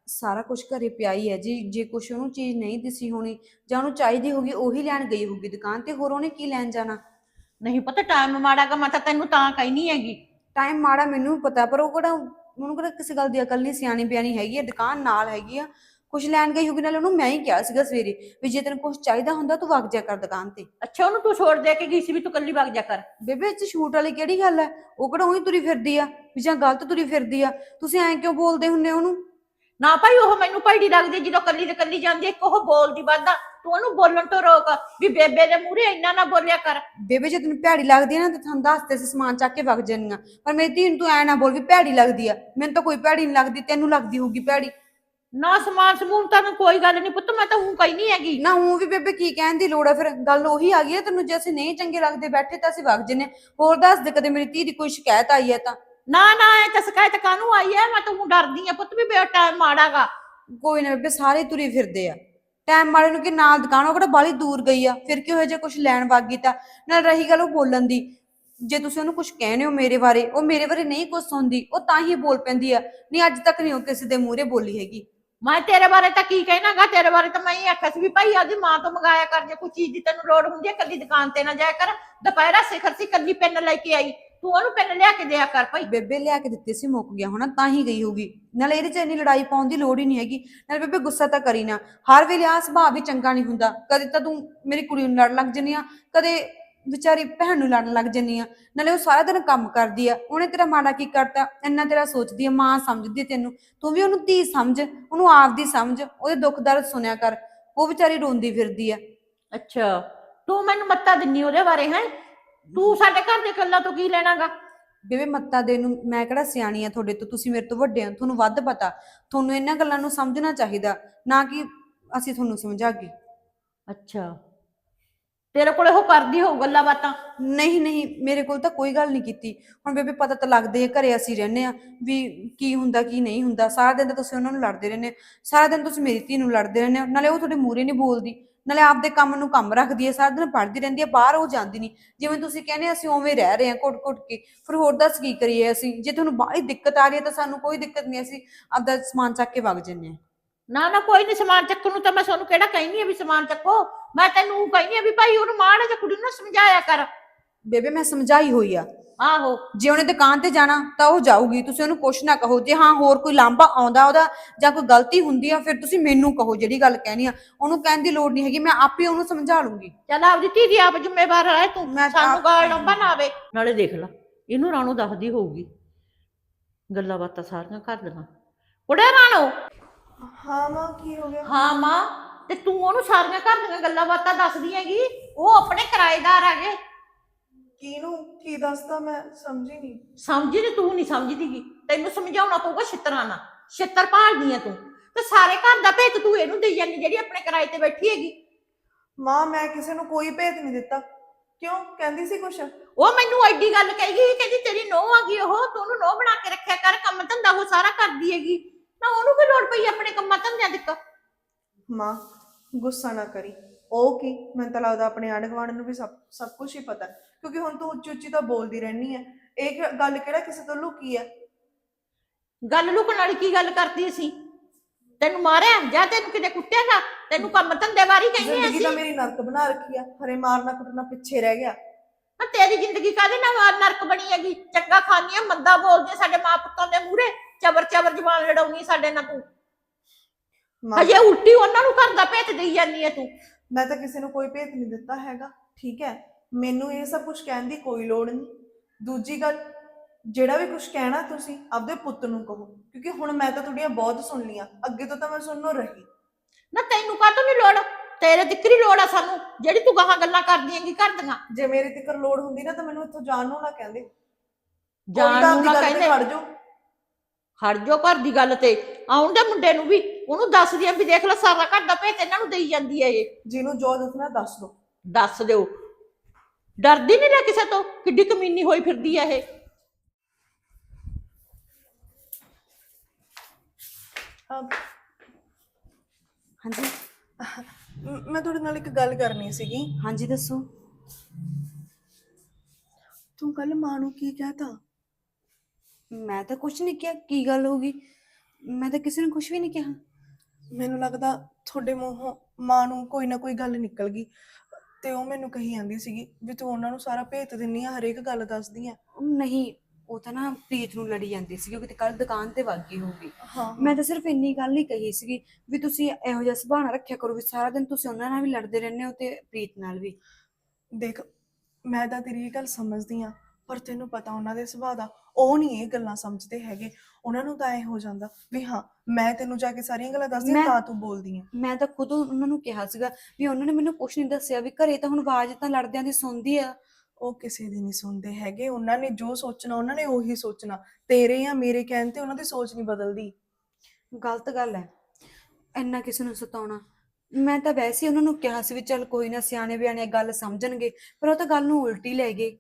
[SPEAKER 8] ਸਾਰਾ ਕੁਝ ਘਰੇ ਪਿਆ ਹੀ ਹੈ ਜੀ। ਜੇ ਕੁਛ ਉਹਨੂੰ ਚੀਜ਼ ਨਹੀਂ ਦਿਸੀ ਹੋਣੀ ਜਾਂ ਉਹਨੂੰ ਚਾਹੀਦੀ ਹੋਗੀ ਉਹੀ ਲੈਣ ਗਈ ਹੋਗੀ ਦੁਕਾਨ ਤੇ, ਹੋਰ ਉਹਨੇ ਕੀ ਲੈਣ ਜਾਣਾ।
[SPEAKER 5] ਨਹੀਂ ਪਤਾ ਟਾਈਮ ਮਾੜਾ ਗਾ, ਮੈਂ ਤਾਂ ਤੈਨੂੰ ਤਾਂ ਕਹਿਨੀ ਹੈਗੀ।
[SPEAKER 8] ਟਾਈਮ ਮਾੜਾ ਮੈਨੂੰ ਵੀ ਪਤਾ, ਪਰ ਉਹ ਕਿਹੜਾ ਉਹਨੂੰ ਕਿਹੜਾ ਕਿਸੇ ਗੱਲ ਦੀ ਅਕਲ ਨਹੀਂ, ਸਿਆਣੀ ਬਿਆਣੀ ਹੈਗੀ ਆ, ਦੁਕਾਨ ਨਾਲ ਹੈਗੀ ਆ, ਕੁਛ ਲੈਣ ਗਈ ਹੋਗੀ। ਨਾਲੇ ਉਹਨੂੰ ਮੈਂ ਹੀ ਕਿਹਾ ਸੀਗਾ ਸਵੇਰੇ ਵੀ ਜੇ ਤੈਨੂੰ ਕੁਛ ਚਾਹੀਦਾ ਹੁੰਦਾ ਤੂੰ ਵਗ ਜਾ ਕਰ ਦੁਕਾਨ ਤੇ।
[SPEAKER 5] ਅੱਛਾ ਉਹਨੂੰ ਤੂੰ ਛੋੜ ਦੇ ਕੇ ਗਈ ਸੀ ਵੀ ਤੂੰ ਕੱਲੀ ਵਗ ਜਾ ਕਰ?
[SPEAKER 8] ਬੇਬੇ ਇਹ ਚ ਛੂਟ ਵਾਲੀ ਕਿਹੜੀ ਗੱਲ ਹੈ? ਉਹ ਕਿਹੜਾ ਉਹੀ ਤੁਰੀ ਫਿਰਦੀ ਆ ਵੀ ਜਾਂ ਗਲਤ ਤੁਰੀ ਫਿਰਦੀ ਆ? ਤੁਸੀਂ ਐਂ ਕਿਉਂ ਬੋਲਦੇ ਹੁੰਨੇ ਉਹਨੂੰ?
[SPEAKER 5] ਨਾ ਭਾਈ ਉਹ ਮੈਨੂੰ ਭੈੜੀ ਲੱਗਦੀ ਜਦੋਂ ਕੱਲੀ ਤੇ ਕੱਲੀ ਜਾਂਦੀ, ਇੱਕ ਉਹ ਬੋਲਦੀ ਵੱਧਾ, ਤੂੰ ਉਹਨੂੰ ਬੋਲਣ ਤੋਂ ਰੋਕ ਵੀ ਬੇਬੇ ਦੇ ਮੂਹਰੇ ਇੰਨਾ ਨਾ ਬੋਲਿਆ ਕਰ।
[SPEAKER 8] ਬੇਬੇ ਜੇ ਤੈਨੂੰ ਭੈੜੀ ਲੱਗਦੀ ਆ ਨਾ ਤਾਂ ਤੁਹਾਨੂੰ ਦੱਸਦੇ ਸੀ ਸਮਾਨ ਚੱਕ ਕੇ ਵਗ ਜਾਨੀਆਂ, ਪਰ ਮੇਰੀ ਧੀ ਨੂੰ ਤੂੰ ਐ ਨਾ ਬੋਲ ਵੀ ਭੈੜੀ ਲੱਗਦੀ ਆ। ਮੈਨੂੰ ਤਾਂ ਕੋਈ ਭੈੜੀ ਨਹੀਂ ਲੱਗਦੀ, ਤੈਨੂੰ ਲੱਗਦੀ ਹੋਊਗੀ ਭੈੜੀ।
[SPEAKER 5] ਨਾ ਸਮਾਨ ਸਮੂਨ ਤਾਂ ਕੋਈ ਗੱਲ ਨਹੀਂ ਪੁੱਤ, ਮੈਂ ਤਾਂ ਹੂੰ ਕਹਿਨੀ ਹੈਗੀ।
[SPEAKER 8] ਨਾ ਹੂੰ ਵੀ ਬੇਬੇ ਕੀ ਕਹਿਣ ਦੀ ਲੋੜ ਆ? ਫਿਰ ਗੱਲ ਉਹੀ ਆ ਗਈ ਆ, ਤੈਨੂੰ ਜੇ ਅਸੀਂ ਨਹੀਂ ਚੰਗੇ ਲੱਗਦੇ ਬੈਠੇ ਤਾਂ ਅਸੀਂ ਵਗ ਜੰਨੇ। ਹੋਰ ਦੱਸ ਦੇ ਕਦੇ ਮੇਰੀ ਧੀ ਦੀ ਕੋਈ ਸ਼ਿਕਾਇਤ ਆਈ ਹੈ ਤਾਂ?
[SPEAKER 5] ਨਾ ਨਾ ਇਹ ਤਾਂ ਸ਼ਿਕਾਇਤ ਕਾਹਨੂੰ ਆਈ ਹੈ? ਮੈਂ ਤਾਂ ਹੂੰ ਡਰਦੀ ਆ ਪੁੱਤ ਵੀ ਬੇ ਟਾਈਮ ਮਾੜਾਗਾ।
[SPEAKER 8] ਕੋਈ ਨਾ ਬੇਬੇ, ਸਾਰੇ ਤੁਰੇ ਫਿਰਦੇ ਆ ਟਾਈਮ ਵਾਲੇ ਨੂੰ, ਕਿ ਨਾਲ ਦੁਕਾਨ ਉਹ ਕਿਹੜਾ ਬਾਹਲੀ ਦੂਰ ਗਈ ਆ, ਫਿਰ ਕਿਉਂ ਜੇ ਕੁਝ ਲੈਣ ਵਗ ਗਈ ਤਾਂ। ਨਾਲ ਰਹੀ ਗੱਲ ਉਹ ਬੋਲਣ ਦੀ, ਜੇ ਤੁਸੀਂ ਉਹਨੂੰ ਕੁਝ ਕਹਿੰਦੇ ਹੋ ਮੇਰੇ ਬਾਰੇ, ਉਹ ਮੇਰੇ ਬਾਰੇ ਨਹੀਂ ਕੁਝ ਸੁਣਦੀ, ਉਹ ਤਾਂ ਹੀ ਬੋਲ ਪੈਂਦੀ ਆ। ਨਹੀਂ ਅੱਜ ਤੱਕ ਨਹੀਂ ਉਹ ਕਿਸੇ ਦੇ ਮੂਹਰੇ ਬੋਲੀ ਹੈਗੀ।
[SPEAKER 5] ਮੈਂ ਤੇਰੇ ਬਾਰੇ ਤਾਂ ਕੀ ਕਹਿਣਾਗਾ? ਤੇਰੇ ਬਾਰੇ ਤਾਂ ਮੈਂ ਹੀ ਆਖਿਆ ਸੀ ਵੀ ਭਾਈ ਆਦੀ ਮਾਂ ਤੋਂ ਮੰਗਾਇਆ ਕਰ, ਜੇ ਕੋਈ ਚੀਜ਼ ਦੀ ਤੈਨੂੰ ਲੋੜ ਹੁੰਦੀ ਹੈ ਕੱਲੀ ਦੁਕਾਨ ਤੇ ਨਾ ਜਾਇਆ ਕਰ। ਦੁਪਹਿਰਾ ਸਿਖਰ ਸੀ ਕੱਲੀ ਪੈਨ ਲੈ ਕੇ ਆਈ, ਤੂੰ ਉਹਨੂੰ ਪੈਨ ਲਿਆ ਕੇ ਦਿਆ ਕਰ ਭਾਈ।
[SPEAKER 8] ਬੇਬੇ ਲਿਆ ਕੇ ਦਿੱਤੇ ਸੀ, ਮੁੱਕ ਗਿਆ ਹੋਣਾ ਤਾਂ ਹੀ ਗਈ ਹੋਗੀ। ਨਾਲੇ ਇਹਦੇ ਚ ਇੰਨੀ ਲੜਾਈ ਪਾਉਣ ਦੀ ਲੋੜ ਹੀ ਨਹੀਂ ਹੈਗੀ। ਨਾਲੇ ਬੇਬੇ ਗੁੱਸਾ ਤਾਂ ਕਰੀ ਨਾ, ਹਰ ਵੇਲੇ ਆ ਸੁਭਾਅ ਵੀ ਚੰਗਾ ਨਹੀਂ ਹੁੰਦਾ। ਕਦੇ ਤਾਂ ਤੂੰ ਮੇਰੀ ਕੁੜੀ ਨੂੰ ਲੜਨ ਲੱਗ ਜੰਨੀ ਆ, ਕਦੇ ਵਿਚਾਰੀ ਭੈਣ ਨੂੰ ਲੜਨ ਲੱਗ ਜੰਨੀ ਆ। ਨਾਲੇ ਉਹ ਸਾਰਾ ਦਿਨ ਕੰਮ ਕਰਦੀ ਆ, ਉਹਨੇ ਤੇਰਾ ਮਾੜਾ ਕੀ ਕਰਤਾ? ਇੰਨਾ ਤੇਰਾ ਸੋਚਦੀ ਆ, ਮਾਂ ਸਮਝਦੀ ਆ ਤੈਨੂੰ, ਤੂੰ ਵੀ ਉਹਨੂੰ ਧੀ ਸਮਝ, ਉਹਨੂੰ ਆਪਦੀ ਸਮਝ, ਉਹਦੇ ਦੁੱਖ ਦਰਦ ਸੁਣਿਆ ਕਰ। ਉਹ ਵਿਚਾਰੀ ਰੋਂਦੀ ਫਿਰਦੀ ਆ।
[SPEAKER 5] ਅੱਛਾ ਤੂੰ ਮੈਨੂੰ ਮੱਤਾ ਦਿੰਨੀ ਉਹਦੇ ਬਾਰੇ ਹੈ? ਤੂੰ ਸਾਡੇ ਘਰ ਦੇ ਗੱਲਾਂ ਤੋਂ ਕੀ ਲੈਣਾਗਾ?
[SPEAKER 8] ਬੇਬੇ ਮੱਤਾ ਦੇ ਨੂੰ ਮੈਂ ਕਿਹੜਾ ਸਿਆਣੀ ਆ ਤੁਹਾਡੇ ਤੋਂ? ਤੁਸੀਂ ਮੇਰੇ ਤੋਂ ਵੱਡੇ ਆ, ਤੁਹਾਨੂੰ ਵੱਧ ਪਤਾ। ਤੁਹਾਨੂੰ ਇਹਨਾਂ ਗੱਲਾਂ ਨੂੰ ਸਮਝਣਾ ਚਾਹੀਦਾ, ਨਾ ਕਿ ਅਸੀਂ ਤੁਹਾਨੂੰ ਸਮਝਾਗੇ।
[SPEAKER 5] ਅੱਛਾ ਤੇਰੇ ਕੋਲੇ ਉਹ ਕਰਦੀ ਹੋਊ ਗੱਲਾਂ ਬਾਤਾਂ?
[SPEAKER 8] ਨਹੀਂ ਨਹੀਂ, ਮੇਰੇ ਕੋਲ ਤਾਂ ਕੋਈ ਗੱਲ ਨਹੀਂ ਕੀਤੀ। ਹੁਣ ਬੇਬੇ ਪਤਾ ਤਾਂ ਲੱਗਦੇ ਆ, ਘਰੇ ਅਸੀਂ ਰਹਿੰਦੇ ਆ ਵੀ ਕੀ ਹੁੰਦਾ ਕੀ ਨਹੀਂ ਹੁੰਦਾ। ਸਾਰਾ ਦਿਨ ਤਾਂ ਤੁਸੀਂ ਉਹਨਾਂ ਨੂੰ ਲੜਦੇ ਰਹਿੰਦੇ ਹੋ, ਸਾਰਾ ਦਿਨ ਤੁਸੀਂ ਮੇਰੀ ਧੀ ਨੂੰ ਲੜਦੇ ਰਹਿੰਦੇ ਹੋ। ਨਾਲੇ ਉਹ ਤੁਹਾਡੇ ਮੂਹਰੇ ਨਹੀਂ ਬੋਲਦੀ, ਨਾਲੇ ਆਪਦੇ ਕੰਮ ਨੂੰ ਕੰਮ ਰੱਖਦੀ ਹੈ, ਸਾਰਾ ਦਿਨ ਪੜ੍ਹਦੀ ਰਹਿੰਦੀ ਹੈ, ਬਾਹਰ ਉਹ ਜਾਂਦੀ ਨਹੀਂ। ਜਿਵੇਂ ਤੁਸੀਂ ਕਹਿੰਦੇ ਅਸੀਂ ਉਵੇਂ ਰਹਿ ਰਹੇ ਹਾਂ ਘੁੱਟ ਘੁੱਟ ਕੇ, ਫਿਰ ਹੋਰ ਦੱਸ ਕੀ ਕਰੀਏ ਅਸੀਂ? ਜੇ ਤੁਹਾਨੂੰ ਬਾਹਲੀ ਦਿੱਕਤ ਆ ਰਹੀ ਹੈ ਤਾਂ ਸਾਨੂੰ ਕੋਈ ਦਿੱਕਤ ਨਹੀਂ, ਅਸੀਂ ਆਪਦਾ ਸਮਾਨ ਚੱਕ ਕੇ ਵਗ ਜੰਨੇ ਹਾਂ।
[SPEAKER 5] ਨਾ ਨਾ ਕੋਈ ਨਹੀਂ, ਸਮਾਨ ਚੱਕਣ ਨੂੰ ਤਾਂ ਮੈਂ ਤੁਹਾਨੂੰ ਕਿਹੜਾ ਕਹਿੰਦੀ ਆ ਵੀ ਸਮਾਨ ਚੱਕੋ। ਮੈਂ ਤੈਨੂੰ ਕਹਿੰਦੀ ਆ ਵੀ ਭਾਈ ਉਹਨੂੰ ਮਾੜਾ ਜਿਹਾ ਕੁੜੀ ਨੂੰ ਸਮਝਾਇਆ ਕਰ।
[SPEAKER 8] ਬੇਬੇ ਮੈਂ ਸਮਝਾਈ ਹੋਈ ਆ।
[SPEAKER 5] ਆਹੋ
[SPEAKER 8] ਜੇ ਉਹਨੇ ਦੁਕਾਨ ਤੇ ਜਾਣਾ ਤਾਂ ਉਹ ਜਾਊਗੀ, ਤੁਸੀਂ ਉਹਨੂੰ ਕੁਛ ਨਾ ਕਹੋ। ਜੇ ਹਾਂ ਹੋਰ ਕੋਈ ਲਾਂਭਾ ਆਉਂਦਾ ਉਹਦਾ ਜਾਂ ਕੋਈ ਗਲਤੀ ਹੁੰਦੀ ਆ, ਫਿਰ ਤੁਸੀਂ ਮੈਨੂੰ ਕਹੋ ਜਿਹੜੀ ਗੱਲ ਕਹਿਣੀ ਆ। ਉਹਨੂੰ ਕਹਿਣ ਦੀ ਲੋੜ ਨਹੀਂ ਹੈਗੀ, ਮੈਂ ਆਪੇ ਉਹਨੂੰ ਸਮਝਾ ਲੂੰਗੀ।
[SPEAKER 5] ਚੱਲ ਆਪਦੀ ਧੀ ਦੀ ਆਪ ਜ਼ਿੰਮੇਵਾਰ ਰਹਿ ਤੂੰ,
[SPEAKER 8] ਮੈਂ ਤਾਂ
[SPEAKER 5] ਸਾਨੂੰ
[SPEAKER 8] ਆਪ-
[SPEAKER 5] ਗਾਲ ਲੰਬਾ ਨਾ ਆਵੇ। ਨਾਲੇ ਦੇਖ ਲਾ ਇਹਨੂੰ ਰਾਣੋ ਦੱਸਦੀ ਹੋਊਗੀ ਗੱਲਾਂ ਬਾਤਾਂ ਸਾਰੀਆਂ ਘਰ ਦੀਆਂ। ਕੁੜੇ ਰਾਣੋ।
[SPEAKER 9] ਹਾਂ ਮਾਂ, ਕੀ ਹੋ ਗਿਆ?
[SPEAKER 5] ਹਾਂ ਮਾਂ, ਤੇ ਤੂੰ ਉਹਨੂੰ ਸਾਰੀਆਂ ਘਰ ਦੀਆਂ ਗੱਲਾਂ ਬਾਤਾਂ ਦੱਸਦੀ ਹੈਗੀ? ਉਹ ਆਪਣੇ ਕਿਰਾਏਦਾਰ ਹੈਗੇ।
[SPEAKER 9] ਕਿਹਨੂੰ ਕੀ ਦੱਸਦਾ? ਮੈਂ ਸਮਝੀ ਨਹੀਂ।
[SPEAKER 5] ਸਮਝੀ ਨੀ? ਤੂੰ ਨਹੀਂ ਸਮਝਦੀਗੀ, ਤੈਨੂੰ ਸਮਝਾਉਣਾ ਪਊਗਾ ਛਿੱਤਰਾਂ ਨਾਲ। ਛਿੱਤਰ ਭਾਲਦੀ ਆ ਤੂੰ, ਤੇ ਸਾਰੇ ਘਰ ਦਾ ਭੇਤ ਤੂੰ ਇਹਨੂੰ ਦੇਈ ਜਾਂਦੀ ਜਿਹੜੀ ਆਪਣੇ ਕਿਰਾਏ ਤੇ ਬੈਠੀ ਹੈਗੀ।
[SPEAKER 9] ਮਾਂ ਮੈਂ ਕਿਸੇ ਨੂੰ ਕੋਈ ਭੇਤ ਨਹੀਂ ਦਿੱਤਾ। ਕਿਉਂ, ਕਹਿੰਦੀ ਸੀ ਕੁਛ?
[SPEAKER 5] ਉਹ ਮੈਨੂੰ ਐਡੀ ਗੱਲ ਕਹੀ ਗਈ, ਕਹਿੰਦੀ ਤੇਰੀ ਨੋਹ ਆ ਗਈ ਉਹ, ਤੂੰ ਉਹਨੂੰ ਨੋਹ ਬਣਾ ਕੇ ਰੱਖਿਆ ਕਰ, ਕੰਮ ਧੰਦਾ ਉਹ ਸਾਰਾ ਕਰਦੀ ਹੈਗੀ। ਨਾ ਉਹਨੂੰ ਕੀ ਲੋੜ ਪਈ ਆਪਣੇ ਕੰਮਾਂ ਧੰਦਿਆਂ ਦੀ?
[SPEAKER 9] ਮਾਂ ਗੁੱਸਾ ਨਾ ਕਰੀ। ਉਹ ਕੀ, ਮੈਨੂੰ ਤਾਂ ਲੱਗਦਾ ਆਪਣੇ ਆਂਢ ਗੁਆਂਢ ਨੂੰ ਵੀ ਸਭ ਸਭ ਕੁਝ ਹੀ ਪਤਾ, ਕਿਉਂਕਿ ਹੁਣ ਤੂੰ ਉੱਚੀ ਉੱਚੀ ਤਾਂ ਬੋਲਦੀ ਰਹਿਣੀ ਹੈ। ਇਹ ਕਿ- ਗੱਲ ਕਿਹੜਾ ਕਿਸੇ ਤੋਂ ਲੁਕੀ ਹੈ?
[SPEAKER 5] ਗੱਲ ਲੁਕਣ ਵਾਲੀ ਕੀ ਗੱਲ ਕਰਦੀ ਸੀ? ਤੈਨੂੰ ਮਾਰਿਆ ਜਾਂ ਤੈਨੂੰ ਕਿਤੇ ਕੁੱਟਿਆਗਾ? ਤੈਨੂੰ ਕੰਮ ਧੰਦੇ ਬਾਰੇ ਕਹਿੰਦੇ
[SPEAKER 9] ਜ਼ਿੰਦਗੀ
[SPEAKER 5] ਅਸੀਂ?
[SPEAKER 9] ਤਾਂ ਮੇਰੀ ਨਰਕ ਬਣਾ ਰੱਖੀ ਆ, ਹਰੇ ਮਾਰਨਾ ਕੁੱਟਣਾ ਪਿੱਛੇ ਰਹਿ ਗਿਆ।
[SPEAKER 5] ਨਾ ਤੇਰੀ ਜ਼ਿੰਦਗੀ ਕਾਹਦੇ ਨਾਲ ਨਰਕ ਬਣੀ ਹੈਗੀ? ਚੰਗਾ ਖਾਂਦੀ ਆ, ਮੰਦਾ ਬੋਲਦੀ ਆ ਸਾਡੇ ਮਾਂ ਪੁੱਤਾਂ ਦੇ ਮੂਹਰੇ, ਚਬਰ ਚਬਰ ਜ਼ੁਬਾਨ ਲੜਾਉਣੀ ਸਾਡੇ ਨਾਲ ਤੂੰ।
[SPEAKER 9] ਮਾਂ
[SPEAKER 5] ਹਜੇ ਉਲਟੀ ਉਹਨਾਂ ਨੂੰ ਘਰ ਦਾ ਭੇਤ ਦੇਈ ਜਾਂਦੀ ਹੈ ਤੂੰ।
[SPEAKER 9] ਮੈਂ ਤਾਂ ਕਿਸੇ ਨੂੰ ਕੋਈ ਭੇਤ ਨਹੀਂ ਦਿੱਤਾ ਹੈਗਾ, ਠੀਕ ਹੈ? ਮੈਨੂੰ ਇਹ ਸਭ ਕੁਝ ਕਹਿਣ ਦੀ ਕੋਈ ਲੋੜ ਨਹੀਂ। ਦੂਜੀ ਗੱਲ, ਜਿਹੜਾ ਵੀ ਕੁਝ ਕਹਿਣਾ ਤੁਸੀਂ ਆਪਦੇ ਪੁੱਤ ਨੂੰ ਕਹੋ, ਕਿਉਂਕਿ ਹੁਣ ਮੈਂ ਤਾਂ ਤੁਹਾਡੀਆਂ ਬਹੁਤ ਸੁਣ ਲੀਆਂ, ਅੱਗੇ ਤੋਂ ਤਾਂ ਮੈਂ ਸੁਣਨੋਂ ਰਹੀ।
[SPEAKER 5] ਨਾ ਤੈਨੂੰ ਕਾਹਤੋਂ ਨਹੀਂ ਲੋੜ? ਤੇਰੇ ਦਿੱਕਰੀ ਲੋੜ ਆ ਸਾਨੂੰ, ਜਿਹੜੀ ਤੂੰ ਗਾਹਾਂ ਗੱਲਾਂ ਕਰਦੀ ਹੈਗੀ ਘਰ ਦੀਆਂ।
[SPEAKER 9] ਜੇ ਮੇਰੇ ਤੇ ਲੋੜ ਹੁੰਦੀ ਨਾ ਤਾਂ ਮੈਨੂੰ ਇੱਥੋਂ ਜਾਣ ਨੂੰ ਨਾ ਕਹਿੰਦੇ।
[SPEAKER 5] ਜਾਣ ਨੂੰ ਨਾ ਕਹਿੰਦੇ,
[SPEAKER 9] ਖੜ ਜਾਓ।
[SPEAKER 5] ਖੜ ਜਾਓ ਘਰ ਦੀ ਗੱਲ ਤੇ। ਆਉਣ ਦੇ ਮੁੰਡੇ ਨੂੰ ਵੀ ਉਹਨੂੰ ਦੱਸਦੀ ਆ ਵੀ ਦੇਖ ਲੈ ਸਾਰਾ ਘਰ ਦਾ ਭੇਤ ਇਹਨਾਂ ਨੂੰ ਦੇਈ ਜਾਂਦੀ ਹੈ ਇਹ।
[SPEAKER 9] ਜਿਹਨੂੰ ਜੋ ਦੱਸਣਾ ਦੱਸ ਦੋ।
[SPEAKER 5] ਦੱਸ ਦਿਓ, ਡਰਦੀ ਨਹੀਂ ਨਾ ਕਿਸੇ ਤੋਂ? ਕਿੱਡੀ ਕਮੀਨੀ ਹੋਈ ਫਿਰਦੀ ਹੈ ਇਹ।
[SPEAKER 8] ਹਾਂਜੀ
[SPEAKER 9] ਮੈਂ ਤੁਹਾਡੇ ਨਾਲ ਇੱਕ ਗੱਲ ਕਰਨੀ ਸੀਗੀ।
[SPEAKER 8] ਹਾਂਜੀ ਦੱਸੋ।
[SPEAKER 9] ਤੂੰ ਕੱਲ ਮਾਂ ਨੂੰ ਕੀ ਕਹਿਤਾ?
[SPEAKER 8] ਮੈਂ ਤਾਂ ਕੁਛ ਨਹੀਂ ਕਿਹਾ, ਕੀ ਗੱਲ ਹੋ ਗਈ? ਮੈਂ ਤਾਂ ਕਿਸੇ ਨੂੰ ਕੁਝ ਵੀ ਨਹੀਂ ਕਿਹਾ।
[SPEAKER 9] ਮੈਨੂੰ ਲੱਗਦਾ ਤੁਹਾਡੇ ਮੂੰਹੋਂ ਮਾਂ ਨੂੰ ਕੋਈ ਨਾ ਕੋਈ ਗੱਲ ਨਿਕਲ ਗਈ ਤੇ ਉਹ ਮੈਨੂੰ ਕਹੀ ਜਾਂਦੀ ਸੀਗੀ ਵੀ ਤੂੰ ਉਹਨਾਂ ਨੂੰ ਸਾਰਾ ਭੇਤ ਦਿੰਨੀ ਆ, ਹਰੇਕ ਗੱਲ ਦੱਸਦੀ ਆ।
[SPEAKER 8] ਉਹ ਨਹੀਂ, ਉਹ ਤਾਂ ਨਾ ਪ੍ਰੀਤ ਨੂੰ ਲੜੀ ਜਾਂਦੀ ਸੀ, ਉਹ ਕਿਤੇ ਕੱਲ ਦੁਕਾਨ ਤੇ ਵਗ ਗਈ ਹੋਊਗੀ।
[SPEAKER 9] ਹਾਂ
[SPEAKER 8] ਮੈਂ ਤਾਂ ਸਿਰਫ ਇੰਨੀ ਗੱਲ ਹੀ ਕਹੀ ਸੀਗੀ ਵੀ ਤੁਸੀਂ ਇਹੋ ਜਿਹਾ ਸੁਭਾਅ ਨਾ ਰੱਖਿਆ ਕਰੋ ਵੀ ਸਾਰਾ ਦਿਨ ਤੁਸੀਂ ਉਹਨਾਂ ਨਾਲ ਵੀ ਲੜਦੇ ਰਹਿੰਦੇ ਹੋ ਤੇ ਪ੍ਰੀਤ ਨਾਲ ਵੀ।
[SPEAKER 9] ਦੇਖ, ਮੈਂ ਤਾਂ ਤੇਰੀ ਇਹ ਗੱਲ ਸਮਝਦੀ ਆ, ਪਰ ਤੈਨੂੰ ਪਤਾ ਉਹਨਾਂ ਦੇ ਸੁਭਾਅ ਦਾ, ਉਹ ਨਹੀਂ ਇਹ ਗੱਲਾਂ ਸਮਝਦੇ ਹੈਗੇ। ਉਹਨਾਂ ਨੂੰ ਤਾਂ ਐ ਹੋ ਜਾਂਦਾ ਵੀ ਹਾਂ ਮੈਂ ਤੈਨੂੰ ਜਾ ਕੇ ਸਾਰੀਆਂ ਗੱਲਾਂ ਦੱਸਦੀ ਆ
[SPEAKER 8] ਮੈਂ-
[SPEAKER 9] ਤਾਂ ਤੂੰ ਬੋਲਦੀ ਆ।
[SPEAKER 8] ਮੈਂ ਤਾਂ ਖੁਦ ਉਹਨਾਂ ਨੂੰ ਕਿਹਾ ਸੀਗਾ ਵੀ ਉਹਨਾਂ ਨੇ ਮੈਨੂੰ ਕੁਝ ਨਹੀਂ ਦੱਸਿਆ ਵੀ ਘਰੇ ਤਾਂ ਹੁਣ ਆਵਾਜ਼ ਤਾਂ ਲੜਦਿਆਂ ਦੀ ਸੁਣਦੀ ਆ।
[SPEAKER 9] ਉਹ ਕਿਸੇ ਦੀ ਨਹੀਂ ਸੁਣਦੇ ਹੈਗੇ, ਉਹਨਾਂ ਨੇ ਜੋ ਸੋਚਣਾ ਉਹਨਾਂ ਨੇ ਉਹੀ ਸੋਚਣਾ। ਤੇਰੇ ਜਾਂ ਮੇਰੇ ਕਹਿਣ ਤੇ ਉਹਨਾਂ ਦੀ ਸੋਚ ਨਹੀਂ ਬਦਲਦੀ।
[SPEAKER 8] ਗਲਤ ਗੱਲ ਹੈ ਇੰਨਾ ਕਿਸੇ ਨੂੰ ਸਤਾਉਣਾ। ਮੈਂ ਤਾਂ ਵੈਸੇ ਹੀ ਉਹਨਾਂ ਨੂੰ ਕਿਹਾ ਸੀ ਵੀ ਚੱਲ ਕੋਈ ਨਾ, ਸਿਆਣੇ ਬਿਆਣੇ ਗੱਲ ਸਮਝਣਗੇ, ਪਰ ਉਹ ਤਾਂ ਗੱਲ ਨੂੰ ਉਲਟੀ ਲੈ ਗਏ।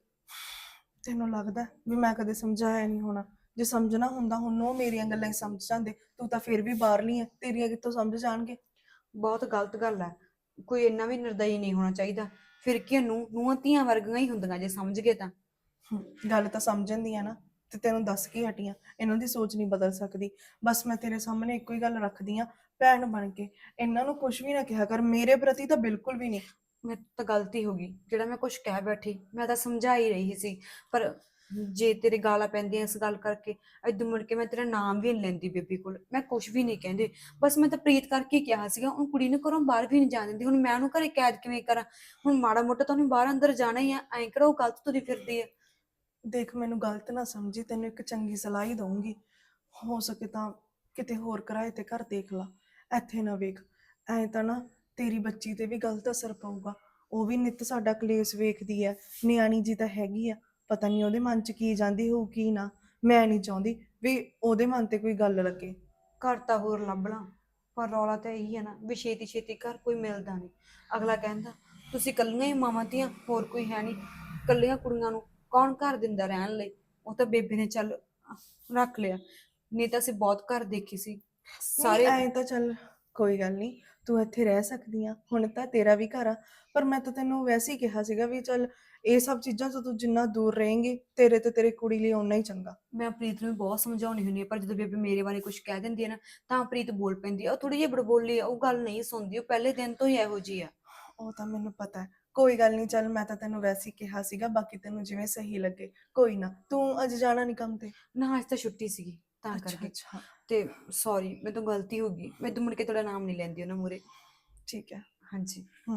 [SPEAKER 9] ਤੈਨੂੰ ਲੱਗਦਾ ਵੀ ਮੈਂ ਕਦੇ ਸਮਝਾਇਆ ਨਹੀਂ ਹੋਣਾ? ਜੇ ਸਮਝਣਾ ਹੁੰਦਾ ਹੁਣ ਉਹ ਮੇਰੀਆਂ ਗੱਲਾਂ ਹੀ ਸਮਝ ਜਾਂਦੇ। ਤੂੰ ਤਾਂ ਫਿਰ ਵੀ ਬਾਹਰਲੀ ਆ, ਤੇਰੀਆਂ ਕਿੱਥੋਂ ਸਮਝ ਜਾਣਗੇ?
[SPEAKER 8] ਬਹੁਤ ਗਲਤ ਗੱਲ ਹੈ, ਕੋਈ ਇੰਨਾ ਵੀ ਨਿਰਦਈ ਨਹੀਂ ਹੋਣਾ ਚਾਹੀਦਾ। ਫਿਰ ਕੀ ਨੂੰ ਨੂੰਹਾਂ ਧੀਆਂ ਵਰਗੀਆਂ ਹੀ ਹੁੰਦੀਆਂ ਜੇ ਸਮਝ ਗਏ ਤਾਂ।
[SPEAKER 9] ਹਮ, ਗੱਲ ਤਾਂ ਸਮਝਣ ਦੀ ਆ ਨਾ, ਤੇ ਤੈਨੂੰ ਦੱਸ ਕੇ ਹਟੀਆਂ, ਇਹਨਾਂ ਦੀ ਸੋਚ ਨਹੀਂ ਬਦਲ ਸਕਦੀ। ਬਸ ਮੈਂ ਤੇਰੇ ਸਾਹਮਣੇ ਇੱਕੋ ਹੀ ਗੱਲ ਰੱਖਦੀ ਆ, ਭੈਣ ਬਣ ਕੇ ਇਹਨਾਂ ਨੂੰ ਕੁਝ ਵੀ ਨਾ ਕਿਹਾ ਕਰ, ਮੇਰੇ ਪ੍ਰਤੀ ਤਾਂ ਬਿਲਕੁਲ ਵੀ ਨਹੀਂ।
[SPEAKER 8] ਮੇਰੇ ਤੋਂ ਤਾਂ ਗਲਤੀ ਹੋ ਗਈ, ਜਿਹੜਾ ਮੈਂ ਕੁਝ ਕਹਿ ਬੈਠੀ। ਮੈਂ ਤਾਂ ਸਮਝਾ ਹੀ ਰਹੀ ਸੀ, ਪਰ ਜੇ ਤੇਰੇ ਗਾਲਾਂ ਪੈਂਦੀਆਂ ਇਸ ਗੱਲ ਕਰਕੇ, ਏਦੋਂ ਮੁੜ ਕੇ ਮੈਂ ਤੇਰਾ ਨਾਮ ਵੀ ਨਹੀਂ ਲੈਂਦੀ ਬੇਬੀ ਕੋਲ। ਮੈਂ ਕੁਝ ਵੀ ਨਹੀਂ ਕਹਿੰਦੀ, ਬਸ ਮੈਂ ਤਾਂ ਪ੍ਰੀਤ ਕਰਕੇ ਹੀ ਕਿਹਾ ਸੀਗਾ। ਉਹ ਕੁੜੀ ਨੂੰ ਘਰੋਂ ਬਾਹਰ ਵੀ ਨਹੀਂ ਜਾਣ ਦਿੰਦੀ, ਹੁਣ ਮੈਂ ਉਹਨੂੰ ਘਰੇ ਕੈਦ ਕਿਵੇਂ ਕਰਾਂ? ਹੁਣ ਮਾੜਾ ਮੋਟਾ ਤਾਂ ਉਹਨੇ ਬਾਹਰ ਅੰਦਰ ਜਾਣਾ ਹੀ ਆ, ਐਂ ਕਿਹੜਾ ਉਹ ਗਲਤ ਤੁਰੀ ਫਿਰਦੀ ਆ।
[SPEAKER 9] ਦੇਖ, ਮੈਨੂੰ ਗਲਤ ਨਾ ਸਮਝੀ, ਤੈਨੂੰ ਇੱਕ ਚੰਗੀ ਸਲਾਹ ਹੀ ਦਊਂਗੀ। ਹੋ ਸਕੇ ਤਾਂ ਕਿਤੇ ਹੋਰ ਕਿਰਾਏ ਤੇ ਘਰ ਦੇਖ ਲਾ, ਇੱਥੇ ਨਾ ਵੇਖ। ਐਂ ਤਾਂ ਨਾ ਤੇਰੀ ਬੱਚੀ ਤੇ ਵੀ ਗਲਤ ਅਸਰ ਪਊਗਾ। ਉਹ ਵੀ ਨਿੱਤ ਸਾਡਾ ਕਲੇਸ਼ ਵੇਖਦੀ ਹੈ, ਨਿਆਣੀ ਜੀ ਤਾਂ ਹੈਗੀ ਆ। ਪਤਾ ਨਹੀਂ ਉਹਦੇ ਮਨ 'ਚ ਕੀ ਜਾਂਦੀ ਹੋਊ ਕੀ ਨਾ। ਮੈਂ ਨਹੀਂ ਚਾਹੁੰਦੀ ਵੀ ਉਹਦੇ ਮਨ ਤੇ ਕੋਈ ਗੱਲ ਲੱਗੇ।
[SPEAKER 8] ਘਰ ਤਾਂ ਹੋਰ ਲੱਭ ਲਾਂ, ਪਰ ਰੌਲਾ ਤਾਂ ਇਹੀ ਹੈ ਨਾ ਵੀ ਛੇਤੀ ਛੇਤੀ ਘਰ ਕੋਈ ਮਿਲਦਾ ਨਹੀਂ। ਅਗਲਾ ਕਹਿੰਦਾ ਤੁਸੀਂ ਇਕੱਲੀਆਂ ਹੀ ਮਾਵਾਂ ਧੀਆਂ, ਹੋਰ ਕੋਈ ਹੈ ਨਹੀਂ। ਇਕੱਲੀਆਂ ਕੁੜੀਆਂ ਨੂੰ ਕੌਣ ਘਰ ਦਿੰਦਾ ਰਹਿਣ ਲਈ? ਉਹ ਤਾਂ ਬੇਬੇ ਨੇ ਚੱਲ ਰੱਖ ਲਿਆ, ਨਹੀਂ ਤਾਂ ਅਸੀਂ ਬਹੁਤ ਘਰ ਦੇਖੀ ਸੀ
[SPEAKER 9] ਸਾਰੇ
[SPEAKER 8] ਸਾਰੇ।
[SPEAKER 9] ਐਂ ਤਾਂ ਚੱਲ ਕੋਈ ਗੱਲ ਨਹੀਂ, ਤੂੰ ਇੱਥੇ ਰਹਿ ਸਕਦੀ ਆ, ਹੁਣ ਤਾਂ ਤੇਰਾ ਵੀ ਘਰ ਆ। ਪਰ ਮੈਂ ਤਾਂ ਤੈਨੂੰ ਵੈਸੇ ਹੀ ਕਿਹਾ ਸੀਗਾ ਵੀ ਚੱਲ ਇਹ ਸਭ ਚੀਜ਼ਾਂ ਤੋਂ ਤੂੰ ਜਿੰਨਾ ਦੂਰ ਰਹੇਂਗੀ, ਤੇਰੇ ਤੇ ਤੇਰੀ ਕੁੜੀ ਲਈ ਓਨਾ ਹੀ ਚੰਗਾ।
[SPEAKER 8] ਮੈਂ ਪ੍ਰੀਤ ਨੂੰ ਵੀ ਬਹੁਤ ਸਮਝਾਉਣੀ ਹੁੰਦੀ ਹੈ, ਪਰ ਜਦੋਂ ਬੇਬੇ ਮੇਰੇ ਬਾਰੇ ਕੁਝ ਕਹਿ ਦਿੰਦੀ ਹੈ ਨਾ, ਤਾਂ ਪ੍ਰੀਤ ਬੋਲ ਪੈਂਦੀ ਆ। ਉਹ ਥੋੜੀ ਜਿਹੀ ਬੜਬੋਲੀ ਆ, ਉਹ ਗੱਲ ਨਹੀਂ ਸੁਣਦੀ, ਉਹ ਪਹਿਲੇ ਦਿਨ ਤੋਂ ਹੀ ਇਹੋ ਜਿਹੀ ਆ।
[SPEAKER 9] ਉਹ ਤਾਂ ਮੈਨੂੰ ਪਤਾ ਹੈ, ਕੋਈ ਗੱਲ ਨਹੀਂ। ਚੱਲ ਮੈਂ ਤਾਂ ਤੈਨੂੰ ਵੈਸੇ ਹੀ ਕਿਹਾ ਸੀਗਾ, ਬਾਕੀ ਤੈਨੂੰ ਜਿਵੇਂ ਸਹੀ ਲੱਗੇ। ਕੋਈ ਨਾ, ਤੂੰ ਅੱਜ ਜਾਣਾ ਨਹੀਂ ਕੰਮ ਤੇ?
[SPEAKER 8] ਨਾ ਅੱਜ ਤਾਂ ਛੁੱਟੀ ਸੀਗੀ ਤਾਂ
[SPEAKER 9] ਅੱਛਾ
[SPEAKER 8] ਕਰਕੇ।
[SPEAKER 9] ਅੱਛਾ,
[SPEAKER 8] ਤੇ ਸੌਰੀ, ਮੇਰੇ ਤੋਂ ਗਲਤੀ ਹੋ ਗਈ। ਮੈਂ ਤੋਂ ਮੁੜ ਕੇ ਤੁਹਾਡਾ ਨਾਮ ਨਹੀਂ ਲੈਂਦੀ ਉਹਨਾਂ ਮੂਹਰੇ।
[SPEAKER 9] ਠੀਕ ਹੈ।
[SPEAKER 8] ਹਾਂਜੀ।
[SPEAKER 9] ਹਮ,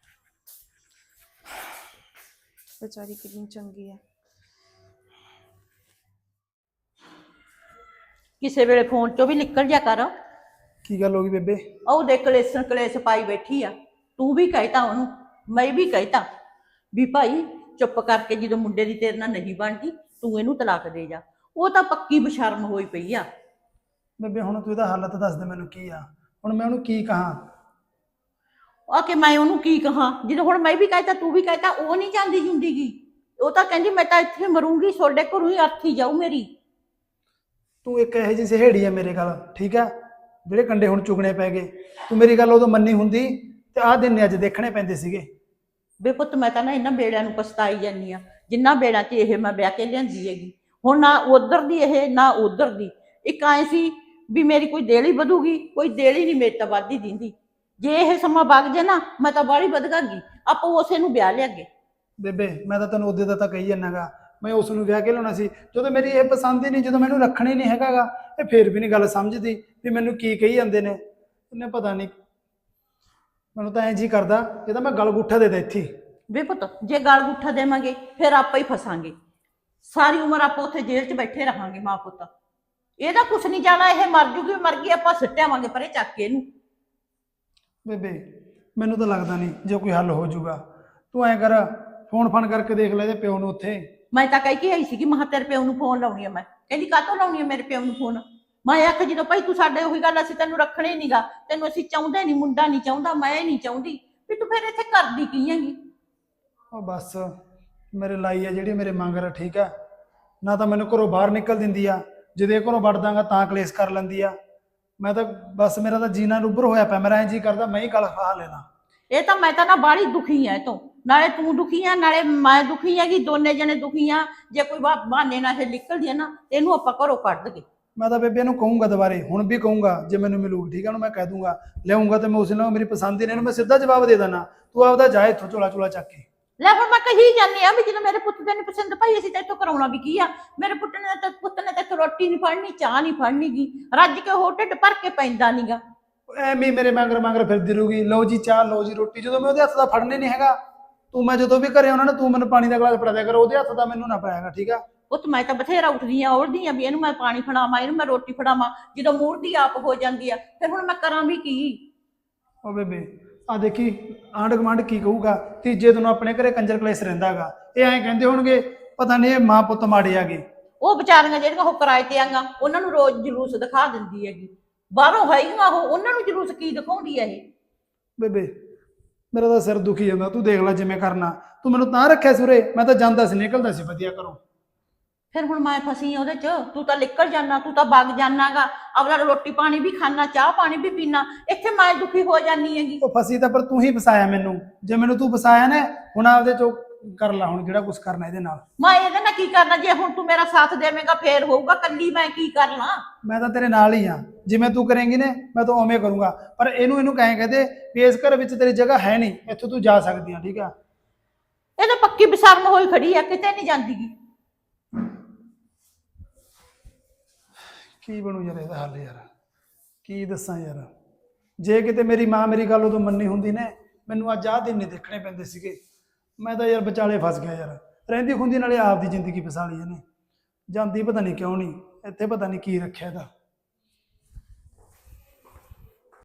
[SPEAKER 9] ਵਿਚਾਰੀ ਕਿੰਨੀ ਚੰਗੀ ਹੈ।
[SPEAKER 5] ਕਿਸੇ ਵੇਲੇ ਫੋਨ ਚੋਂ ਵੀ ਨਿਕਲ ਜਾ ਕਰ।
[SPEAKER 6] ਕੀ ਗੱਲ ਹੋ ਗਈ ਬੇਬੇ?
[SPEAKER 5] ਉਹ ਦੇ ਕਲੇਸ਼ਣ ਕਲੇਸ਼ ਪਾਈ ਬੈਠੀ ਆ। ਤੂੰ ਵੀ ਕਹਿਤਾ ਉਹਨੂੰ, ਮੈਂ ਵੀ ਕਹਿਤਾ ਵੀ ਭਾਈ ਚੁੱਪ ਕਰਕੇ, ਜਦੋਂ ਮੁੰਡੇ ਦੀ ਤੇਰੇ ਨਾਲ ਨਹੀਂ ਬਣਦੀ ਤੂੰ ਇਹਨੂੰ ਤਲਾਕ ਦੇ ਜਾ। ਉਹ ਤਾਂ ਪੱਕੀ ਬਸ਼ਰਮ ਹੋਈ ਪਈ ਆ।
[SPEAKER 6] ਬੇਬੇ ਹੁਣ ਤੂੰ ਇਹਦਾ ਹਾਲਤ ਦੱਸ ਦੇ ਮੈਨੂੰ, ਕੀ ਆ ਹੁਣ ਮੈਂ ਉਹਨੂੰ ਕੀ ਕਹਾਂ?
[SPEAKER 5] ਆ ਕਿ ਮੈਂ ਉਹਨੂੰ ਕੀ ਕਹਾਂ, ਜਦੋਂ ਹੁਣ ਮੈਂ ਵੀ ਕਹਿਤਾ ਤੂੰ ਵੀ ਕਹਿਤਾ। ਉਹ ਨਹੀਂ ਜਾਂਦੀ ਹੁੰਦੀਗੀ, ਉਹ ਤਾਂ ਕਹਿੰਦੀ ਮੈਂ ਤਾਂ ਇੱਥੇ ਮਰੂੰਗੀ, ਤੁਹਾਡੇ ਘਰੋਂ ਹੀ ਅਰਥੀ ਜਾਊ ਮੇਰੀ।
[SPEAKER 6] ਤੂੰ ਇੱਕ ਇਹੋ ਜਿਹੀ ਸਹੇੜੀ ਆ ਮੇਰੇ ਗੱਲ, ਠੀਕ ਆ, ਜਿਹੜੇ ਕੰਡੇ ਹੁਣ ਚੁਗਣੇ ਪੈ ਗਏ। ਤੂੰ ਮੇਰੀ ਗੱਲ ਉਦੋਂ ਮੰਨੀ ਹੁੰਦੀ ਤੇ ਆਹ ਦਿਨ ਨੇ ਅੱਜ ਦੇਖਣੇ ਪੈਂਦੇ ਸੀਗੇ।
[SPEAKER 5] ਬੇ ਪੁੱਤ, ਮੈਂ ਤਾਂ ਨਾ ਇਹਨਾਂ ਬੇੜਿਆਂ ਨੂੰ ਪਛਤਾਈ ਜਾਂਦੀ ਆ, ਜਿੰਨਾ ਬੇੜਾਂ 'ਚ ਇਹ ਮੈਂ ਵਿਆਹ ਕੇ ਲਿਆਂਦੀ ਹੈਗੀ। ਹੁਣ ਨਾ ਉਧਰ ਦੀ ਇਹ, ਨਾ ਉਧਰ ਦੀ। ਇੱਕ ਐ ਸੀ ਵੀ ਮੇਰੀ ਕੋਈ ਦੇਲੀ ਵਧੂਗੀ, ਕੋਈ ਦੇਲੀ ਨਹੀਂ ਮੇਰੀ ਤਾਂ ਵੱਧਦੀ ਦਿੰਦੀ। ਜੇ ਇਹ ਸਮਾਂ ਵਗ ਜੇ ਨਾ, ਮੈਂ ਤਾਂ ਬਾਹਲੀ ਵਧਗਾ ਗਈ, ਆਪਾਂ ਉਸੇ ਨੂੰ ਵਿਆਹ ਲਿਆਗੇ।
[SPEAKER 6] ਬੇਬੇ ਮੈਂ ਤਾਂ ਤੈਨੂੰ ਉਹਦੇ ਦਾ ਤਾਂ ਕਹੀ ਜਾਨਾਗਾ, ਮੈਂ ਉਸ ਨੂੰ ਵਿਆਹ ਕੇ ਲਿਆਉਣਾ ਸੀ। ਜਦੋਂ ਮੇਰੀ ਇਹ ਪਸੰਦ ਹੀ ਨਹੀਂ, ਜਦੋਂ ਮੈਨੂੰ ਰੱਖਣਾ ਹੀ ਨਹੀਂ ਹੈਗਾਗਾ, ਇਹ ਫੇਰ ਵੀ ਨਹੀਂ ਗੱਲ ਸਮਝਦੀ ਵੀ ਮੈਨੂੰ ਕੀ ਕਹੀ ਜਾਂਦੇ ਨੇ। ਇਹਨੇ ਪਤਾ ਨਹੀਂ, ਮੈਨੂੰ ਤਾਂ ਐਂ ਜੀ ਕਰਦਾ ਇਹ ਤਾਂ ਮੈਂ ਗਲ ਗੁੱਠਾ ਦੇ ਦੇ ਇੱਥੇ।
[SPEAKER 5] ਵੇ ਪੁੱਤ, ਜੇ ਗਲ ਗੁੱਠਾ ਦੇਵਾਂਗੇ ਫਿਰ ਆਪਾਂ ਹੀ ਫਸਾਂਗੇ। ਸਾਰੀ ਉਮਰ ਆਪਾਂ ਉੱਥੇ ਜੇਲ੍ਹ 'ਚ ਬੈਠੇ ਰਹਾਂਗੇ ਮਾਂ ਪੁੱਤ। ਇਹਦਾ ਕੁਛ ਨਹੀਂ ਜਾਣਾ, ਇਹ ਮਰ ਜੂਗੀ, ਮਰ ਗਈ, ਆਪਾਂ ਸਿੱਟਿਆਵਾਂਗੇ ਪਰੇ ਚੱਕ ਕੇ ਇਹਨੂੰ।
[SPEAKER 6] ਬੇਬੇ ਮੈਨੂੰ ਤਾਂ ਲੱਗਦਾ ਨਹੀਂ ਜੇ ਕੋਈ ਹੱਲ ਹੋ ਜਾਊਗਾ। ਤੂੰ ਐਂ ਕਰ, ਫੋਨ ਫਾਨ ਕਰਕੇ ਦੇਖ ਲੈ ਇਹਦੇ ਪਿਓ ਨੂੰ ਉੱਥੇ।
[SPEAKER 5] ਮੈਂ ਤਾਂ ਕਹਿ ਕੇ ਆਈ ਸੀਗੀ, ਮਹਾ ਤੇਰੇ ਪਿਓ ਨੂੰ ਫੋਨ ਲਾਉਣੀ ਆ ਮੈਂ। ਕਹਿੰਦੀ ਕਾਹਤੋਂ ਲਾਉਣੀ ਆ ਮੇਰੇ ਪਿਓ ਨੂੰ ਫੋਨ? ਮੈਂ ਆਖ ਜਦੋਂ ਭਾਈ ਤੂੰ ਸਾਡੇ ਉਹੀ ਗੱਲ, ਅਸੀਂ ਤੈਨੂੰ ਰੱਖਣੇ ਨੀਗਾ, ਤੈਨੂੰ ਅਸੀਂ ਚਾਹੁੰਦੇ ਨਹੀਂ, ਮੁੰਡਾ ਨਹੀਂ ਚਾਹੁੰਦਾ, ਮੈਂ ਨਹੀਂ ਚਾਹੁੰਦੀ, ਵੀ ਤੂੰ ਫਿਰ ਇੱਥੇ ਕਰਦੀ ਕੀ ਹੈਗੀ?
[SPEAKER 6] ਉਹ ਬਸ ਮੇਰੇ ਲਾਈ ਆ ਜਿਹੜੀ ਮੇਰੇ ਮੰਗਰ, ਠੀਕ ਆ ਨਾ, ਤਾਂ ਮੈਨੂੰ ਘਰੋਂ ਬਾਹਰ ਨਿਕਲ ਦਿੰਦੀ ਆ, ਜਦੋਂ ਘਰੋਂ ਵੜ ਦਾਂਗਾ ਤਾਂ ਕਲੇਸ਼ ਕਰ ਲੈਂਦੀ ਆ। ਮੈਂ ਤਾਂ ਬਸ, ਮੇਰਾ ਤਾਂ ਜੀਣਾ ਰੁੱਬਰ ਹੋਇਆ ਪਿਆ, ਮੇਰਾ ਐਂ ਜੀ ਕਰਦਾ ਮੈਂ ਹੀ ਗਲ ਫਾਹ ਲੈਣਾ।
[SPEAKER 5] ਇਹ ਤਾਂ ਮੈਂ ਤਾਂ ਨਾ ਬਾਹਲੀ ਦੁਖੀ ਐ ਤੋਂ, ਨਾਲੇ ਤੂੰ ਦੁਖੀ ਆ ਨਾਲੇ ਮੈਂ ਦੁਖੀ ਹੈਗੀ, ਦੋਨੇ ਜਣੇ ਦੁਖੀ ਆ। ਜੇ ਕੋਈ ਬਹਾਨੇ ਨਾਲ ਇਹ ਨਿਕਲਦੀ ਆ ਨਾ, ਇਹਨੂੰ ਆਪਾਂ ਘਰੋਂ ਕੱਢ ਦਈਏ।
[SPEAKER 6] ਮੈਂ ਤਾਂ ਬੇਬੇ ਨੂੰ ਕਹੂੰਗਾ ਦੁਬਾਰੇ, ਹੁਣ ਵੀ ਕਹੂੰਗਾ, ਜੇ ਮੈਨੂੰ ਮਿਲੂਗੀ ਠੀਕ ਹੈ ਉਹਨੂੰ ਮੈਂ ਕਹਿ ਦੂੰਗਾ ਲਿਆਉਂਗਾ ਤੇ ਮੈਂ ਉਸ ਨਾਲ ਮੇਰੀ ਪਸੰਦ ਹੀ ਨਹੀਂ, ਇਹਨੂੰ ਮੈਂ ਸਿੱਧਾ ਜਵਾਬ ਦੇ ਦੇਣਾ, ਤੂੰ ਆਪਦਾ ਜਾ ਇੱਥੋਂ ਝੋਲਾ ਝੋਲਾ ਚੱਕ ਕੇ।
[SPEAKER 5] ਲੈ ਹੁਣ ਮੈਂ ਕਹੀ ਜਾਂਦੀ ਆ ਵੀ ਜਦੋਂ ਮੇਰੇ ਪੁੱਤ ਦੇ ਨਹੀਂ ਪਸੰਦ ਭਾਈ ਅਸੀਂ ਤਾਂ ਇੱਥੋਂ ਕਰਾਉਣਾ ਵੀ ਕੀ ਆ। ਮੇਰੇ ਪੁੱਤ ਨੇ ਤਾਂ ਪੁੱਤ ਨੇ ਤਾਂ ਇੱਥੋਂ ਰੋਟੀ ਨਹੀਂ ਫੜਨੀ, ਚਾਹ ਨਹੀਂ ਫੜਨੀ ਗੀ, ਰੱਜ ਕੇ ਉਹ ਢਿੱਡ ਭਰ ਕੇ ਪੈਂਦਾ ਨੀਗਾ।
[SPEAKER 6] ਐਵੇਂ ਹੀ ਮੇਰੇ ਮਗਰ ਮਗਰ ਫਿਰਦੀ ਰਹੂਗੀ, ਲਓ ਜੀ ਚਾਹ, ਲਓ ਜੀ ਰੋਟੀ, ਜਦੋਂ ਮੈਂ ਉਹਦੇ ਹੱਥ ਦਾ ਫੜਨੇ ਨਹੀਂ ਹੈਗਾ। ਤੂੰ ਮੈਂ ਜਦੋਂ ਵੀ ਘਰੇ ਆਉਣਾ ਨਾ, ਤੂੰ ਮੈਨੂੰ ਪਾਣੀ ਦਾ ਗਲਾਸ ਫੜਾ ਦਿਆ ਕਰ, ਉਹਦੇ ਹੱਥ ਦਾ ਮੈਨੂੰ ਨਾ ਪਾਇਆਗਾ, ਠੀਕ ਆ।
[SPEAKER 5] ਪੁੱਤ ਮੈਂ ਤਾਂ ਬਥੇਰਾ ਉੱਠਦੀ ਆ ਉੜਦੀ ਆ ਵੀ ਇਹਨੂੰ ਮੈਂ ਪਾਣੀ ਫੜਾਵਾਂ, ਇਹਨੂੰ ਮੈਂ ਰੋਟੀ ਫੜਾਵਾਂ, ਜਦੋਂ ਮੂਰਦੀ ਆਪ ਹੋ ਜਾਂਦੀ ਆ ਫਿਰ ਹੁਣ ਮੈਂ ਕਰਾਂ ਵੀ ਕੀ।
[SPEAKER 6] ਉਹ ਬੇਬੇ ਆ ਦੇਖੀ ਆਂਢ ਗੁਆਂਢ ਕੀ ਕਹੂਗਾ, ਤੀਜੇ ਦਿਨ ਆਪਣੇ ਘਰੇ ਕੰਜਰ ਕਲੇਸ਼ ਰਹਿੰਦਾਗਾ, ਇਹ ਐਂ ਕਹਿੰਦੇ ਹੋਣਗੇ ਪਤਾ ਨਹੀਂ ਇਹ ਮਾਂ ਪੁੱਤ ਮਾੜੇ ਆਗੇ।
[SPEAKER 5] ਉਹ ਵਿਚਾਰੀਆਂ ਜਿਹੜੀਆਂ ਉਹ ਕਿਰਾਏ ਤੇ ਆਂਗਾ ਉਹਨਾਂ ਨੂੰ ਰੋਜ਼ ਜਲੂਸ ਦਿਖਾ ਦਿੰਦੀ ਹੈਗੀ, ਬਾਹਰੋਂ ਹੈਗੀਆਂ ਉਹ, ਉਹਨਾਂ ਨੂੰ ਜਲੂਸ ਕੀ ਦਿਖਾਉਂਦੀ ਹੈ ਇਹ।
[SPEAKER 6] ਬੇਬੇ ਮੇਰਾ ਤਾਂ ਸਿਰ ਦੁਖੀ ਜਾਂਦਾ, ਤੂੰ ਦੇਖ ਲੈ ਜਿਵੇਂ ਕਰਨਾ, ਤੂੰ ਮੈਨੂੰ ਤਾਂ ਰੱਖਿਆ ਸੀ ਉਰੇ, ਮੈਂ ਤਾਂ ਜਾਂਦਾ ਸੀ ਨਿਕਲਦਾ ਸੀ ਵਧੀਆ ਘਰੋਂ।
[SPEAKER 5] ਫਿਰ ਹੁਣ ਮੈਂ ਫਸੀ ਆ ਉਹਦੇ ਚ, ਤੂੰ ਤਾਂ ਨਿਕਲ ਜਾਣਾ, ਤੂੰ ਤਾਂ ਵਗ ਜਾਣਾਗਾ, ਆਪਣਾ ਰੋਟੀ ਪਾਣੀ ਵੀ ਖਾਣਾ, ਚਾਹ ਪਾਣੀ ਵੀ ਪੀਣਾ, ਇੱਥੇ ਮੈਂ ਦੁਖੀ ਹੋ ਜਾਨੀ ਹੈਗੀ।
[SPEAKER 6] ਉਹ ਫਸੀ ਤਾਂ ਪਰ ਤੂੰ ਹੀ ਫਸਾਇਆ ਮੈਨੂੰ, ਜੇ ਮੈਨੂੰ ਤੂੰ ਫਸਾਇਆ ਨਾ, ਹੁਣ ਆਪਦੇ ਚੋਂ ਕਰ ਲੈ ਹੁਣ ਜਿਹੜਾ ਕੁਝ ਕਰਨਾ ਇਹਦੇ ਨਾਲ।
[SPEAKER 5] ਮੈਂ ਇਹਦੇ ਨਾਲ ਕੀ ਕਰਨਾ, ਜੇ ਹੁਣ ਤੂੰ ਮੇਰਾ ਸਾਥ ਦੇਵੇਂਗਾ ਫੇਰ ਹੋਊਗਾ, ਕੱਲੀ ਮੈਂ ਕੀ ਕਰ ਲਾਂ।
[SPEAKER 6] ਮੈਂ ਤਾਂ ਤੇਰੇ ਨਾਲ ਹੀ ਆ, ਜਿਵੇਂ ਤੂੰ ਕਰੇਂਗੀ ਨਾ ਮੈਂ ਤਾਂ ਉਵੇਂ ਕਰੂੰਗਾ, ਪਰ ਇਹਨੂੰ ਇਹਨੂੰ ਕਹੇ ਕਹਦੇ ਵੀ ਇਸ ਘਰ ਵਿੱਚ ਤੇਰੀ ਜਗ੍ਹਾ ਹੈ ਨਹੀਂ, ਇੱਥੋਂ ਤੂੰ ਜਾ ਸਕਦੀ ਆ, ਠੀਕ ਆ।
[SPEAKER 5] ਇਹ ਤਾਂ ਪੱਕੀ ਬਸਰਮ ਹੋਈ ਖੜੀ ਆ, ਕਿਤੇ ਨਹੀਂ ਜਾਂਦੀਗੀ।
[SPEAKER 6] ਕੀ ਬਣੂ ਯਾਰ ਇਹਦਾ ਹੱਲ, ਯਾਰ ਕੀ ਦੱਸਾਂ ਯਾਰ, ਜੇ ਕਿਤੇ ਮੇਰੀ ਮਾਂ ਮੇਰੀ ਗੱਲ ਉਦੋਂ ਮੰਨੀ ਹੁੰਦੀ ਨੇ, ਮੈਨੂੰ ਅੱਜ ਆਹ ਦਿਨ ਨਹੀਂ ਦੇਖਣੇ ਪੈਂਦੇ ਸੀਗੇ। ਮੈਂ ਤਾਂ ਯਾਰ ਵਿਚਾਲੇ ਫਸ ਗਿਆ ਯਾਰ, ਰਹਿੰਦੀ ਖੁੰਦੀ ਨਾਲੇ ਆਪ ਦੀ ਜ਼ਿੰਦਗੀ ਫਸਾ ਲਈ ਇਹਨੇ, ਜਾਂਦੀ ਪਤਾ ਨਹੀਂ ਕਿਉਂ ਨਹੀਂ, ਇੱਥੇ ਪਤਾ ਨਹੀਂ ਕੀ ਰੱਖਿਆ ਇਹਦਾ।